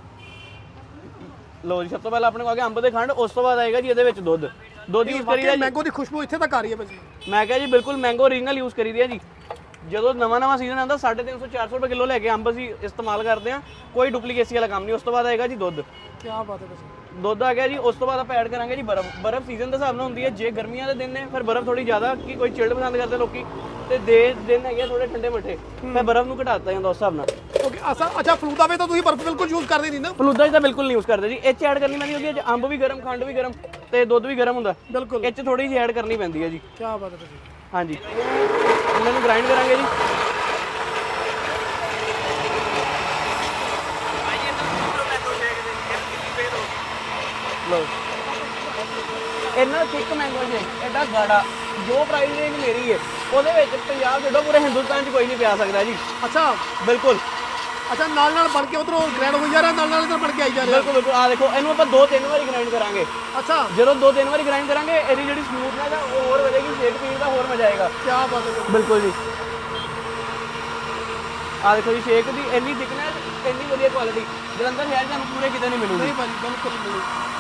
ਲੋ ਜੀ, ਸਭ ਤੋਂ ਪਹਿਲਾਂ ਆਪਣੇ ਕੋਲ ਆ ਗਿਆ ਅੰਬ ਤੇ ਖੰਡ, ਉਸ ਤੋਂ ਬਾਅਦ ਆਏਗਾ ਜੀ ਇਹਦੇ ਵਿੱਚ ਦੁੱਧ। ਦੁੱਧ ਯੂਜ਼ ਕਰੀਦਾ ਜੀ।
ਮੈਂਗੋ ਦੀ ਖੁਸ਼ਬੂ ਇੱਥੇ ਤੱਕ ਆ ਰਹੀ ਹੈ ਭਾਜੀ।
ਮੈਂ ਕਿਹਾ ਜੀ ਬਿਲਕੁਲ ਮੈਂਗੋ ਓਰੀਜਨਲ ਯੂਜ਼ ਕਰੀਦੀ ਹੈ ਜੀ। ਜਦੋਂ ਨਵਾਂ ਨਵਾਂ ਸੀਜ਼ਨ ਆਉਂਦਾ ਸਾਢੇ ਤਿੰਨ ਸੌ ਚਾਰ ਸੌ ਰੁਪਏ ਕਿਲੋ ਲੈ ਕੇ ਅੰਬ ਅਸੀਂ ਇਸਤੇਮਾਲ ਕਰਦੇ ਹਾਂ, ਕੋਈ ਡੁਪਲੀਕੇਸੀ ਵਾਲਾ ਕੰਮ ਨਹੀਂ। ਉਸ ਤੋਂ ਬਾਅਦ ਆਏਗਾ ਜੀ ਦੁੱਧ।
ਕੀ ਬਾਤ ਹੈ ਭਾਜੀ।
ਦੁੱਧ ਆ ਗਿਆ ਜੀ। ਉਸ ਤੋਂ ਬਾਅਦ ਆਪਾਂ ਐਡ ਕਰਾਂਗੇ ਜੀ ਬਰਫ਼। ਬਰਫ਼ ਸੀਜ਼ਨ ਦੇ ਹਿਸਾਬ ਨਾਲ ਹੁੰਦੀ ਹੈ, ਜੇ ਗਰਮੀਆਂ ਦੇ ਦਿਨ ਨੇ ਫਿਰ ਬਰਫ਼ ਥੋੜੀ ਜ਼ਿਆਦਾ, ਕਿ ਕੋਈ ਚਿਲਡ ਪਸੰਦ ਕਰਦੇ ਲੋਕੀ, ਤੇ ਦੇ ਦਿਨ ਹੈਗੇ ਥੋੜੇ ਠੰਡੇ ਮਿੱਠੇ, ਮੈਂ ਬਰਫ਼ ਨੂੰ ਘਟਾ ਦਿੱਤਾ ਜਾਂਦਾ ਉਸ ਹਿਸਾਬ ਨਾਲ।
ਓਕੇ ਅਸਾ ਅੱਛਾ ਫਲੂਦਾ ਵੇ ਤਾਂ ਤੁਸੀਂ ਬਰਫ਼ ਬਿਲਕੁਲ ਯੂਜ਼ ਕਰਦੇ ਨਹੀਂ ਨਾ?
ਫਲੂਦਾ 'ਚ ਤਾਂ ਬਿਲਕੁਲ ਨਹੀਂ ਯੂਜ਼ ਕਰਦੇ ਜੀ। ਇਹ 'ਚ ਐਡ ਕਰਨੀ ਪੈਂਦੀ ਕਿਉਂਕਿ ਅੰਬ ਵੀ ਗਰਮ, ਖੰਡ ਵੀ ਗਰਮ ਤੇ ਦੁੱਧ ਵੀ ਗਰਮ ਹੁੰਦਾ।
ਬਿਲਕੁਲ।
ਇਹ 'ਚ ਥੋੜੀ ਜਿਹੀ ਐਡ ਕਰਨੀ ਪੈਂਦੀ ਹੈ ਜੀ।
ਕੀ ਬਾਤ ਹੈ ਭਾਜੀ।
ਹਾਂਜੀ, ਇਹਨਾਂ ਨੂੰ ਗ੍ਰਾਈਂਡ ਕਰਾਂਗੇ ਜੀ। ਲਓ ਇਹਨਾਂ ਥਿਕ ਮੈਂਗੋ ਸ਼ੇਕ ਐਡਾ ਗਾੜਾ, ਜੋ ਪ੍ਰਾਈਸ ਰੇਂਜ ਮੇਰੀ ਹੈ ਉਹਦੇ ਵਿੱਚ ਪੰਜਾਬ ਛੱਡੋ ਪੂਰੇ ਹਿੰਦੁਸਤਾਨ 'ਚ ਕੋਈ ਨਹੀਂ ਪਿਆ ਸਕਦਾ ਜੀ।
ਅੱਛਾ
ਬਿਲਕੁਲ
ਅੱਛਾ, ਨਾਲ ਨਾਲ ਬਣ ਕੇ ਉਧਰੋਂ ਗ੍ਰੈਂਡ ਹੋਈ ਜਾ ਰਿਹਾ, ਨਾਲ ਨਾਲ ਇਧਰ ਬਣ ਕੇ ਆਈ ਜਾ ਰਿਹਾ।
ਬਿਲਕੁਲ ਬਿਲਕੁਲ। ਆ ਦੇਖੋ ਇਹਨੂੰ ਆਪਾਂ ਦੋ ਤਿੰਨ ਵਾਰੀ ਗ੍ਰਾਈਂਡ ਕਰਾਂਗੇ।
ਅੱਛਾ
ਜਦੋਂ ਦੋ ਤਿੰਨ ਵਾਰੀ ਗ੍ਰਾਈਂਡ ਕਰਾਂਗੇ ਇਹਦੀ ਜਿਹੜੀ ਸਮੂਥਨੈਸ ਹੈ ਉਹ ਹੋਰ ਵਧੇਗੀ, ਸ਼ੇਕ ਪੀਣ ਦਾ ਹੋਰ ਮਜ਼ਾ ਆਏਗਾ।
ਕੀ ਬਾਤ ਹੈ।
ਬਿਲਕੁਲ ਜੀ। ਆ ਦੇਖੋ ਜੀ ਸ਼ੇਕ ਦੀ ਇੰਨੀ ਥਿਕਨੈਸ, ਇੰਨੀ ਵਧੀਆ ਕੁਆਲਿਟੀ ਜਲੰਧਰ ਸ਼ਹਿਰ ਤੁਹਾਨੂੰ ਪੂਰੇ ਕਿਤੇ ਨਹੀਂ ਮਿਲੂਗੀ।
ਨਹੀਂ ਭਾਜੀ ਬਿਲਕੁਲ ਨਹੀਂ।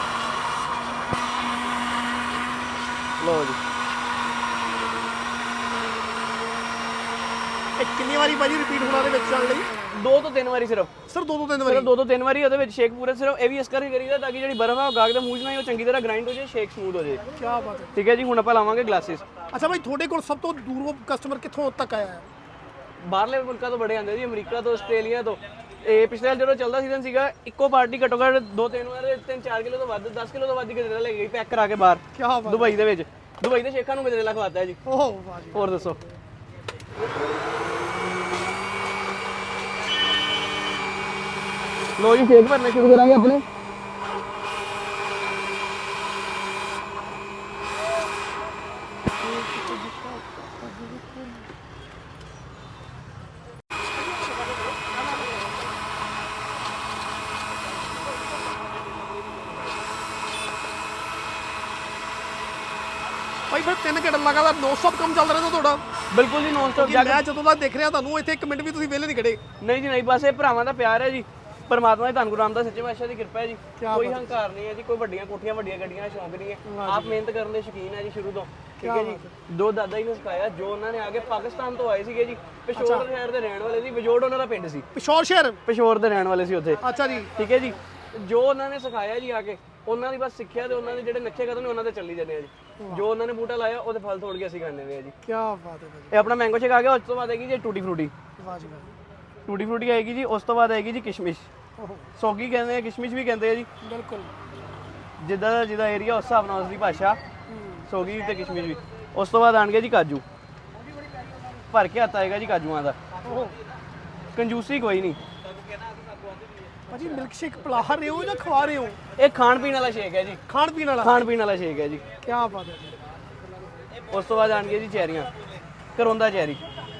ਲਓ ਜੀ,
ਇਹ ਕਿੰਨੀ ਵਾਰੀ ਭਾਜੀ ਰਿਪੀਟ ਹੋਣਾ ਦੇ ਵਿੱਚ ਚੱਲ ਲਈ?
ਦੋ ਤੋਂ ਤਿੰਨ ਵਾਰੀ ਸਿਰਫ
ਸਰ ਦੋ ਦੋ ਤਿੰਨ ਵਾਰੀ?
ਸਿਰਫ ਦੋ ਤੋਂ ਤਿੰਨ ਵਾਰੀ ਉਹਦੇ ਵਿੱਚ ਸ਼ੇਕ ਪੂਰੇ ਸਿਰਫ ਇਹ ਵੀ ਇਸ ਕਰਕੇ ਕਰੀਦਾ ਤਾਂ ਕਿ ਜਿਹੜੀ ਬਰਫ਼ ਆ ਉਹ ਗਾਹਕ ਦੇ ਮੂੰਹ 'ਚ ਨਾ ਉਹ ਚੰਗੀ ਤਰ੍ਹਾਂ ਗ੍ਰਾਈਂਡ ਹੋ ਜਾਏ, ਸ਼ੇਕ ਸਮੂਥ ਹੋ ਜਾਏ।
ਕੀ ਬਾਤ ਹੈ।
ਠੀਕ ਹੈ ਜੀ। ਹੁਣ ਆਪਾਂ ਲਾਵਾਂਗੇ ਗਲਾਸਿਸ।
ਅੱਛਾ ਭਾਈ ਤੁਹਾਡੇ ਕੋਲ ਸਭ ਤੋਂ ਦੂਰੋਂ ਕਸਟਮਰ ਕਿੱਥੋਂ ਤੱਕ ਆਇਆ ਹੈ?
ਬਾਹਰਲੇ ਮੁਲਕਾਂ ਤੋਂ ਬੜੇ ਆਉਂਦੇ ਜੀ, ਅਮਰੀਕਾ ਤੋਂ, ਆਸਟ੍ਰੇਲੀਆ ਤੋਂ। ਇਹ ਪਿਛਲੇ ਸਾਲ ਜਦੋਂ ਚੱਲਦਾ ਸੀਜ਼ਨ ਸੀਗਾ, ਇੱਕੋ ਪਾਰਟੀ ਘੱਟੋ ਘੱਟ ਦੋ ਤਿੰਨ ਵਾਰ ਤਿੰਨ ਚਾਰ ਕਿਲੋ ਤੋਂ ਵੱਧ, ਦਸ ਕਿਲੋ ਤੋਂ ਵੱਧ ਗਜਰੇਲਾ ਲੈ ਗਈ ਪੈਕ ਕਰਾ ਕੇ ਬਾਹਰ।
ਕੀ ਬਾਤ।
ਦੁਬਈ ਦੇ ਵਿੱਚ ਦੁਬਈ ਦੇ ਸ਼ੇਖਾਂ ਨੂੰ ਗਜਰੇਲਾ ਖਵਾਤਾ ਹੈ ਜੀ।
ਓਹ ਵਾਹ ਜੀ।
ਹੋਰ ਦੱਸੋ। ਲੋ ਜੀ ਸ਼ੇਕ ਭਰਨੇ ਸ਼ੁਰੂ ਕਰਾਂਗੇ ਆਪਣੇ।
ਭਾਈ ਫਿਰ ਤਿੰਨ ਘੰਟੇ ਲਗਾਤਾਰ ਨੌਨ ਸਟਾਪ ਕੰਮ ਚੱਲਦਾ ਰਹਿੰਦਾ ਤੁਹਾਡਾ?
ਬਿਲਕੁਲ ਜੀ, ਨੌਨ ਸਟਾਪ।
ਮੈਂ ਜਦੋਂ ਦਾ ਦੇਖ ਰਿਹਾ ਤੁਹਾਨੂੰ ਇੱਥੇ ਇੱਕ ਮਿੰਟ ਵੀ ਤੁਸੀਂ ਵਿਹਲੇ ਨਹੀਂ ਖੜੇ।
ਨਹੀਂ ਜੀ ਨਹੀਂ, ਬਸ ਇਹ ਭਰਾਵਾਂ ਦਾ ਪਿਆਰ ਹੈ ਜੀ। ਪਰਮਾਤਮਾ ਦੀ ਧੰਨ ਗੁਰੂ ਰਾਮਦਾਸ ਸੱਚੇ ਪਾਤਸ਼ਾਹ ਦੀ ਕਿਰਪਾ ਹੈ ਜੀ
ਕਿਆ
ਕੋਈ ਹੰਕਾਰ ਨਹੀਂ ਹੈ ਜੀ ਕੋਈ ਵੱਡੀਆਂ ਕੋਠੀਆਂ ਵੱਡੀਆਂ ਗੱਡੀਆਂ ਦਾ ਸ਼ੌਂਕ ਨਹੀਂ ਹੈ ਆਪ ਮਿਹਨਤ ਕਰਨ ਦੇ ਸ਼ੌਕੀਨ ਹੈ ਜੀ ਸ਼ੁਰੂ ਤੋਂ ਠੀਕ ਹੈ ਜੀ ਦੋ ਦਾਦਾ ਜੀ ਨੇ ਸਿਖਾਇਆ ਜੋ ਉਹਨਾਂ ਨੇ ਆ ਕੇ ਪਾਕਿਸਤਾਨ ਤੋਂ ਆਏ ਸੀਗੇ ਜੀ ਪਿਸ਼ੌਰ ਸ਼ਹਿਰ ਦੇ ਰਹਿਣ ਵਾਲੇ ਸੀ ਵਜੋੜ ਉਹਨਾਂ ਦਾ ਪਿੰਡ ਸੀ
ਪਿਸ਼ੌਰ ਸ਼ਹਿਰ
ਪਿਸ਼ੌਰ ਦੇ ਰਹਿਣ ਵਾਲੇ ਸੀ ਉੱਥੇ
ਅੱਛਾ ਜੀ
ਠੀਕ ਹੈ ਜੀ ਜੋ ਉਹਨਾਂ ਨੇ ਸਿਖਾਇਆ ਜੀ ਆ ਕੇ ਉਹਨਾਂ ਦੀ ਬਸ ਸਿੱਖਿਆ ਤੇ ਉਹਨਾਂ ਦੇ ਜਿਹੜੇ ਨੱਚੇ ਕਦਮ ਨੇ ਉਹਨਾਂ ਤੇ ਚੱਲੀ ਜਾਂਦੇ ਆ ਜੀ ਜੋ ਉਹਨਾਂ ਨੇ ਬੂਟਾ ਲਾਇਆ ਉਹਦੇ ਫਲ ਤੋੜ ਕੇ ਅਸੀਂ ਖਾਂਦੇ ਨੇ ਜੀ
ਕੀ ਬਾਤ ਹੈ ਭਾਜੀ
ਇਹ ਆਪਣਾ ਮੈਂਗੋ ਸ਼ੇਕ ਆ ਗਿਆ ਉਸ ਤੋਂ ਬਾਅਦ ਆਏਗੀ ਜੀ ਟੂਟੀ ਫਰੂਟੀ
ਵਾਹ ਜੀ ਵਾਹ
ਟੂਟੀ ਫਰੂਟੀ ਆਏਗੀ ਜੀ ਉਸ ਤੋਂ ਬਾਅਦ ਆਏਗੀ ਜੀ ਕਿਸ਼ਮਿਸ਼
ਓਹੋ
ਸੌਗੀ ਕਹਿੰਦੇ ਆ ਕਿਸ਼ਮਿਸ਼ ਵੀ ਕਹਿੰਦੇ ਆ ਜੀ
ਬਿਲਕੁਲ
ਜਿੱਦਾਂ ਦਾ ਜਿਹਦਾ ਏਰੀਆ ਉਸ ਹਿਸਾਬ ਨਾਲ ਉਸ ਦੀ ਭਾਸ਼ਾ ਸੌਗੀ ਤੇ ਕਿਸ਼ਮਿਸ਼ ਵੀ ਉਸ ਤੋਂ ਬਾਅਦ ਆਣਗੇ ਜੀ ਕਾਜੂ ਭਰ ਕੇ ਹੱਥ ਆਏਗਾ ਜੀ ਕਾਜੂਆਂ ਦਾ
ਓਹੋ
ਕੰਜੂਸੀ ਕੋਈ ਨਹੀਂ
ਭਾਜੀ ਮਿਲਕ ਸ਼ੇਕ ਪਿਲਾ ਰਹੇ ਹੋ ਜਾਂ ਖਵਾ ਰਹੇ ਹੋ
ਇਹ ਖਾਣ ਪੀਣ ਵਾਲਾ ਸ਼ੇਕ ਹੈ ਜੀ
ਖਾਣ ਪੀਣ ਵਾਲਾ
ਖਾਣ ਪੀਣ ਵਾਲਾ ਸ਼ੇਕ ਹੈ ਜੀ
ਕੀ ਬਾਤ ਹੈ ਜੀ
ਉਸ ਤੋਂ ਬਾਅਦ ਆਣਗੇ ਜੀ ਚੈਰੀਆਂ ਕਰੋਂਦਾ ਚੈਰੀ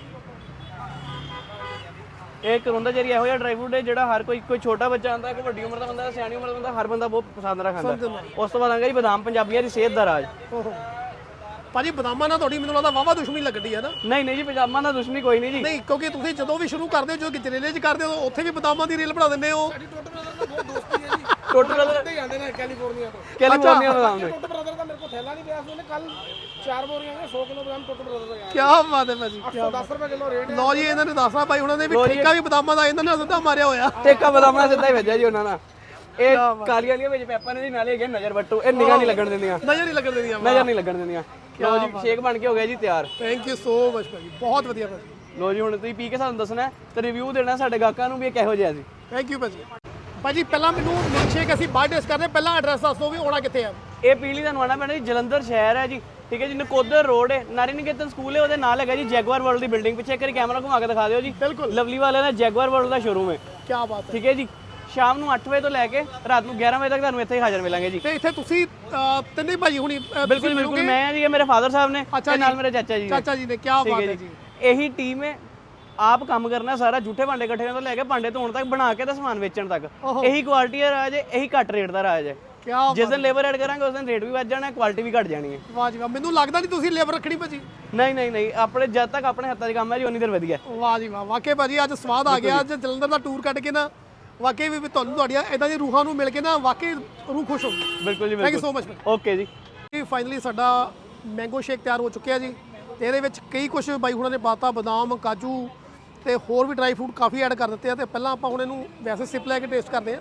ਇਹ ਕਰੋਂਦਾ ਚੈਰੀ ਇਹੋ ਜਿਹਾ ਡਰਾਈ ਫਰੂਟ ਹੈ ਜਿਹੜਾ ਹਰ ਕੋਈ ਕੋਈ ਛੋਟਾ ਬੱਚਾ ਆਂਦਾ ਕੋਈ ਵੱਡੀ ਉਮਰ ਦਾ ਬੰਦਾ ਸਿਆਣੀ ਉਮਰ ਦਾ ਬੰਦਾ ਹਰ ਬੰਦਾ ਬਹੁਤ ਪਸੰਦ ਨਾਲ ਖਾਂਦਾ ਉਸ ਤੋਂ ਬਾਅਦ ਆਂਗਾ ਜੀ ਬਦਾਮ ਪੰਜਾਬੀਆਂ ਦੀ ਸਿਹਤ ਦਾ ਰਾਜ
ਓਹੋ ਭਾਜੀ ਬਦਾਮਾਂ ਨਾਲ ਤੁਹਾਡੀ ਮੈਨੂੰ ਲੱਗਦਾ ਵਾਵਾ ਦੁਸ਼ਮਣੀ ਲੱਗਦੀ ਹੈ ਨਾ
ਨਹੀਂ ਨਹੀਂ ਜੀ ਪਜਾਮਾ ਨਾਲ ਦੁਸ਼ਮਣੀ ਕੋਈ ਨਹੀਂ ਜੀ
ਨਹੀਂ ਕਿਉਂਕਿ ਤੁਸੀਂ ਜਦੋਂ ਵੀ ਸ਼ੁਰੂ ਕਰਦੇ ਹੋ ਜਦੋਂ ਗਜਰੇਲੇ 'ਚ ਕਰਦੇ ਹੋ ਉੱਥੇ ਵੀ ਬਦਾਮਾਂ ਦੀ ਰੇਲ ਬਣਾ ਦਿੰਦੇ ਹੋ
ਟੋਟਲ ਬ੍ਰਦਰ
ਤੇ ਜਾਂਦੇ ਨੇ ਕੈਲੀਫੋਰਨੀਆ ਤੋਂ
ਕੈਲੀਫੋਰਨੀਆ ਬਦਾਮ ਨੇ
ਟੁੱਟ ਬ੍ਰਦਰ ਦਾ ਮੇਰੇ ਕੋਲ ਥੈਲਾ ਨਹੀਂ ਪਿਆ ਸੀ ਉਹਨੇ ਕੱਲ ਚਾਰ ਬੋਰੀਆਂ ਨੇ ਸੌ ਕਿਲੋ ਬਦਾਮ ਟੁੱਟ ਬ੍ਰਦਰ ਦਾ
ਕੀ ਬਾਤ ਹੈ ਭਾਜੀ
ਗਿਆ ਦਸ ਰੁਪਏ ਕਿਲੋ ਰੇਟ ਹੈ
ਲਓ ਜੀ ਇਹਨਾਂ ਨੇ ਦੱਸਣਾ ਭਾਈ ਉਹਨਾਂ ਨੇ ਵੀ ਠੇਕਾ ਵੀ ਬਦਾਮਾਂ ਦਾ ਇਹਨਾਂ ਨੇ ਸਿੱਧਾ ਮਾਰਿਆ ਹੋਇਆ
ਟੇਕਾ ਬਦਾਮਾਂ ਸਿੱਧਾ ਹੀ ਵੱਜਿਆ ਜੀ ਉਹਨਾਂ ਨਾਲ ਇਹ ਕਾਲੀਆਂ ਵਾਲੀਆਂ ਵਿੱਚ ਪੈਪਾਂ ਨੇ ਜੀ ਨਾਲੇ ਹੈਗੇ ਨਜ਼ਰ ਵੱਟੂ ਇਹ ਨਿਗਾਹ ਨਹੀਂ ਲੱਗਣ ਦਿੰਦੀਆਂ
ਨਜ਼ਰ ਨਹੀਂ ਲੱਗਣ ਦਿੰਦੀਆਂ
ਨਜ਼ਰ ਨਹੀਂ ਲੱਗਣ ਦਿੰਦੀਆਂ ਲਓ ਜੀ ਸ਼ੇਕ ਬਣ ਕੇ ਹੋ ਗਿਆ ਜੀ ਤਿਆਰ
ਥੈਂਕ ਯੂ ਸੋ ਮਚ ਭਾਜੀ ਬਹੁਤ ਵਧੀਆ ਭਾਜੀ
ਲਓ ਜੀ ਹੁਣ ਤੁਸੀਂ ਪੀ ਕੇ ਸਾਨੂੰ ਦੱਸਣਾ ਤੇ ਰਿਵਿਊ ਦੇਣਾ ਸਾਡੇ ਗਾਹਕਾਂ ਨੂੰ ਵੀ ਇਹ ਕਿਹੋ ਜਿਹਾ ਸੀ
ਥੈਂਕ ਯੂ ਭਾਜੀ ਭਾਜੀ ਪਹਿਲਾਂ ਮੈਨੂੰ ਮਿਲਕ ਸ਼ੇਕ ਅਸੀਂ ਬਾਹਰ ਟੇਸਟ ਕਰਦੇ ਪਹਿਲਾਂ ਐਡਰੈਸ ਦੱਸ ਦਿਓ ਵੀ ਆਉਣਾ ਕਿੱਥੇ ਆ
ਇਹ ਪੀਲੀ ਦਾ ਨਵਾਣਾ ਪਿੰਡ ਜੀ ਜਲੰਧਰ ਸ਼ਹਿਰ ਹੈ ਜੀ ਠੀਕ ਹੈ ਜੀ ਨਕੋਦਰ ਰੋਡ ਹੈ ਨਾਰੀ ਨਿਕੇਤਨ ਸਕੂਲ ਹੈ ਉਹਦੇ ਨਾਲ ਹੈਗਾ ਜੀ ਜੈਗੁਆਰ ਵਰਲਡ ਦੀ ਬਿਲਡਿੰਗ ਪਿੱਛੇ ਇੱਕ ਵਾਰੀ ਕੈਮਰਾ ਘੁਮਾ ਕੇ ਦਿਖਾ ਦਿਓ ਜੀ
ਬਿਲਕੁਲ
ਲਵਲੀ ਵਾਲਿਆਂ ਦਾ ਜੈਗੁਆਰ ਵਰਲਡ ਦਾ ਸ਼ੋਰੂਮ ਹੈ
ਕੀ ਬਾਤ ਹੈ
ਠੀਕ ਹੈ ਜੀ ਸ਼ਾਮ ਨੂੰ ਅੱਠ ਵਜੇ ਤੋਂ ਲੈ ਕੇ ਰਾਤ ਨੂੰ ਗਿਆਰਾਂ ਵਜੇ ਤੱਕ ਤੁਹਾਨੂੰ ਇੱਥੇ ਹੀ ਹਾਜ਼ਰ ਮਿਲਾਂਗੇ ਜੀ
ਤੇ ਇੱਥੇ ਤੁਸੀਂ ਅਹ, ਤਿੰਨੇ ਭਾਜੀ ਹੁਣੀ ਅਹ,
ਬਿਲਕੁਲ
ਤੁਸੀਂ
ਬਿਲਕੁਲ
ਮਿਲੋਗੇ?
ਮੈਂ ਜੀ ਇਹ ਮੇਰੇ ਫਾਦਰ ਸਾਹਿਬ ਨੇ
ਅੱਛਾ
ਤੇ ਨਾਲ
ਜੀ।
ਮੇਰੇ ਚਾਚਾ ਜੀ ਨੇ
ਚਾਚਾ ਜੀ ਨੇ ਕੀ
ਠੀਕ
ਬਾਤ
ਹੈ
ਹੈ
ਜੀ
ਜੀ
ਇਹੀ ਟੀਮ ਹੈ ਆਪ ਕੰਮ ਕਰਨਾ ਸਾਰਾ ਝੂਠੇ ਭਾਂਡੇ ਇਕੱਠੇ ਤੋਂ ਲੈ ਕੇ ਭਾਂਡੇ ਧੋਣ ਤੱਕ ਬਣਾ ਕੇ ਤੇ ਸਮਾਨ ਵੇਚਣ ਤੱਕ
ਓਹੋ।
ਇਹੀ ਕੁਆਲਿਟੀ ਦਾ ਰਾਜ ਹੈ ਇਹੀ ਘੱਟ ਰੇਟ ਦਾ ਰਾਜ ਹੈ
ਕੀ
ਜਿਸ ਦਿਨ ਲੇਬਰ ਐਡ ਕਰਾਂਗੇ ਉਸ ਦਿਨ ਰੇਟ ਵੀ ਵੱਧ ਜਾਣਾ ਕੁਆਲਿਟੀ ਵੀ ਘਟ ਜਾਣੀ ਹੈ
ਵਾਹ ਜੀ ਵਾਹ ਮੈਨੂੰ ਲੱਗਦਾ ਨਹੀਂ ਤੁਸੀਂ ਲੇਬਰ ਰੱਖਣੀ ਭਾਜੀ
ਨਹੀਂ ਨਹੀਂ ਨਹੀਂ ਆਪਣੇ ਜਦ ਤੱਕ ਆਪਣੇ ਹੱਥਾਂ 'ਚ ਕੰਮ ਹੈ ਜੀ ਉਨੀ ਦੇਰ ਵਧੀਆ
ਵਾਹ ਜੀ ਵਾਹ ਵਾਕਈ ਭਾਜੀ ਅੱਜ ਸਵਾਦ ਆ ਗਿਆ ਅੱਜ ਜਲੰਧਰ ਦਾ ਟੂਰ ਕੱਢ ਕੇ ਨਾ ਵਾਕਈ ਵੀ ਤੁਹਾਨੂੰ ਤੁਹਾਡੀਆਂ ਇਦਾਂ ਦੀ ਰੂਹਾਂ ਨੂੰ ਮਿਲ ਕੇ ਨਾ ਵਾਕਈ ਰੂਹ ਖੁਸ਼ ਹੋ ਗਈ
ਬਿਲਕੁਲ ਜੀ
ਥੈਂਕ ਯੂ
ਬਿਲਕੁਲ
ਸੋ ਮਚ
ਓਕੇ ਜੀ
ਜੀ ਫਾਈਨਲੀ ਸਾਡਾ ਮੈਂਗੋ ਸ਼ੇਕ ਤਿਆਰ ਹੋ ਚੁੱਕਿਆ ਜੀ ਤੇ ਇਹਦੇ ਵਿੱਚ ਕਈ ਕੁਝ ਬਾਈ ਹੁਣਾਂ ਨੇ ਪਾਤਾ ਬਦਾਮ ਕਾਜੂ ਤੇ ਹੋਰ ਵੀ ਡਰਾਈ ਫਰੂਟ ਕਾਫੀ ਐਡ ਕਰ ਦਿੱਤੇ ਆ ਤੇ ਪਹਿਲਾਂ ਆਪਾਂ ਹੁਣ ਇਹਨੂੰ ਵੈਸੇ ਸਿਪ ਲੈ ਕੇ ਟੇਸਟ ਕਰਦੇ ਆ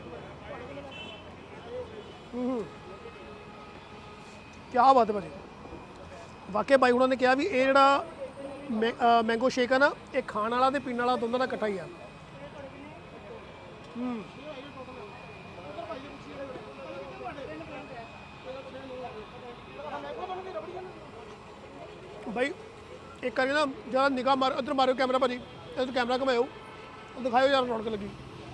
ਹੂੰ ਕੀ ਬਾਤ ਹੈ ਭਾਜੀ ਵਾਕਈ ਬਾਈ ਹੁਣਾਂ ਨੇ ਕਿਹਾ ਵੀ ਇਹ ਜਿਹੜਾ ਮੈ- ਅਹ ਮੈਂਗੋ ਸ਼ੇਕ ਆ ਨਾ ਇਹ ਖਾਣ ਵਾਲਾ ਤੇ ਪੀਣ ਵਾਲਾ ਦੋਨਾਂ ਦਾ ਇਕੱਠਾ ਹੀ ਆ ਹੂੰ ਭਾਈ ਇੱਕ ਵਾਰੀ ਨਾ ਜਰਾ ਨਿਗਾਹ ਮਾਰ ਇੱਧਰ ਮਾਰਿਓ ਕੈਮਰਾ ਭਾਜੀ ਇੱਧਰ ਕੈਮਰਾ ਘੁਮਾਇਓ ਉਹ ਦਿਖਾਇਓ ਯਾਰ ਰੌਣਕ ਲੱਗੀ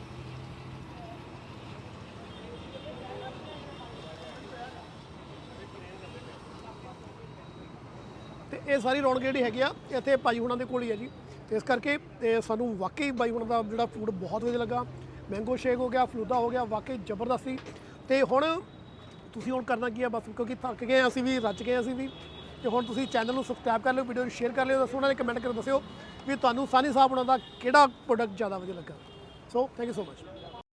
ਤੇ ਇਹ ਸਾਰੀ ਰੌਣਕ ਜਿਹੜੀ ਹੈਗੀ ਆ ਇੱਥੇ ਭਾਈ ਹੁਣਾਂ ਦੇ ਕੋਲ ਹੀ ਹੈ ਜੀ ਤੇ ਇਸ ਕਰਕੇ ਤੇ ਸਾਨੂੰ ਵਾਕਈ ਬਾਈ ਹੁਣਾਂ ਦਾ ਜਿਹੜਾ ਫੂਡ ਬਹੁਤ ਵਧੀਆ ਲੱਗਾ ਮੈਂਗੋ ਸ਼ੇਕ ਹੋ ਗਿਆ ਫਲੂਦਾ ਹੋ ਗਿਆ ਵਾਕਈ ਜ਼ਬਰਦਸਤ ਸੀ ਤੇ ਹੁਣ ਤੁਸੀਂ ਹੁਣ ਕਰਨਾ ਕੀ ਆ ਬਸ ਕਿਉਂਕਿ ਥੱਕ ਗਏ ਅਸੀਂ ਵੀ ਰੱਜ ਗਏ ਅਸੀਂ ਵੀ ਤੇ ਹੁਣ ਤੁਸੀਂ ਚੈਨਲ ਨੂੰ ਸਬਸਕ੍ਰਾਈਬ ਕਰ ਲਿਓ ਵੀਡੀਓ ਨੂੰ ਸ਼ੇਅਰ ਕਰ ਲਿਓ ਦੱਸੋ ਉਹਨਾਂ ਨੇ ਕਮੈਂਟ ਕਰਕੇ ਦੱਸਿਓ ਵੀ ਤੁਹਾਨੂੰ ਸਾਨੀ ਸਾਹਿਬ ਉਹਨਾਂ ਦਾ ਕਿਹੜਾ ਪ੍ਰੋਡਕਟ ਜ਼ਿਆਦਾ ਵਧੀਆ ਲੱਗਾ so thank you so much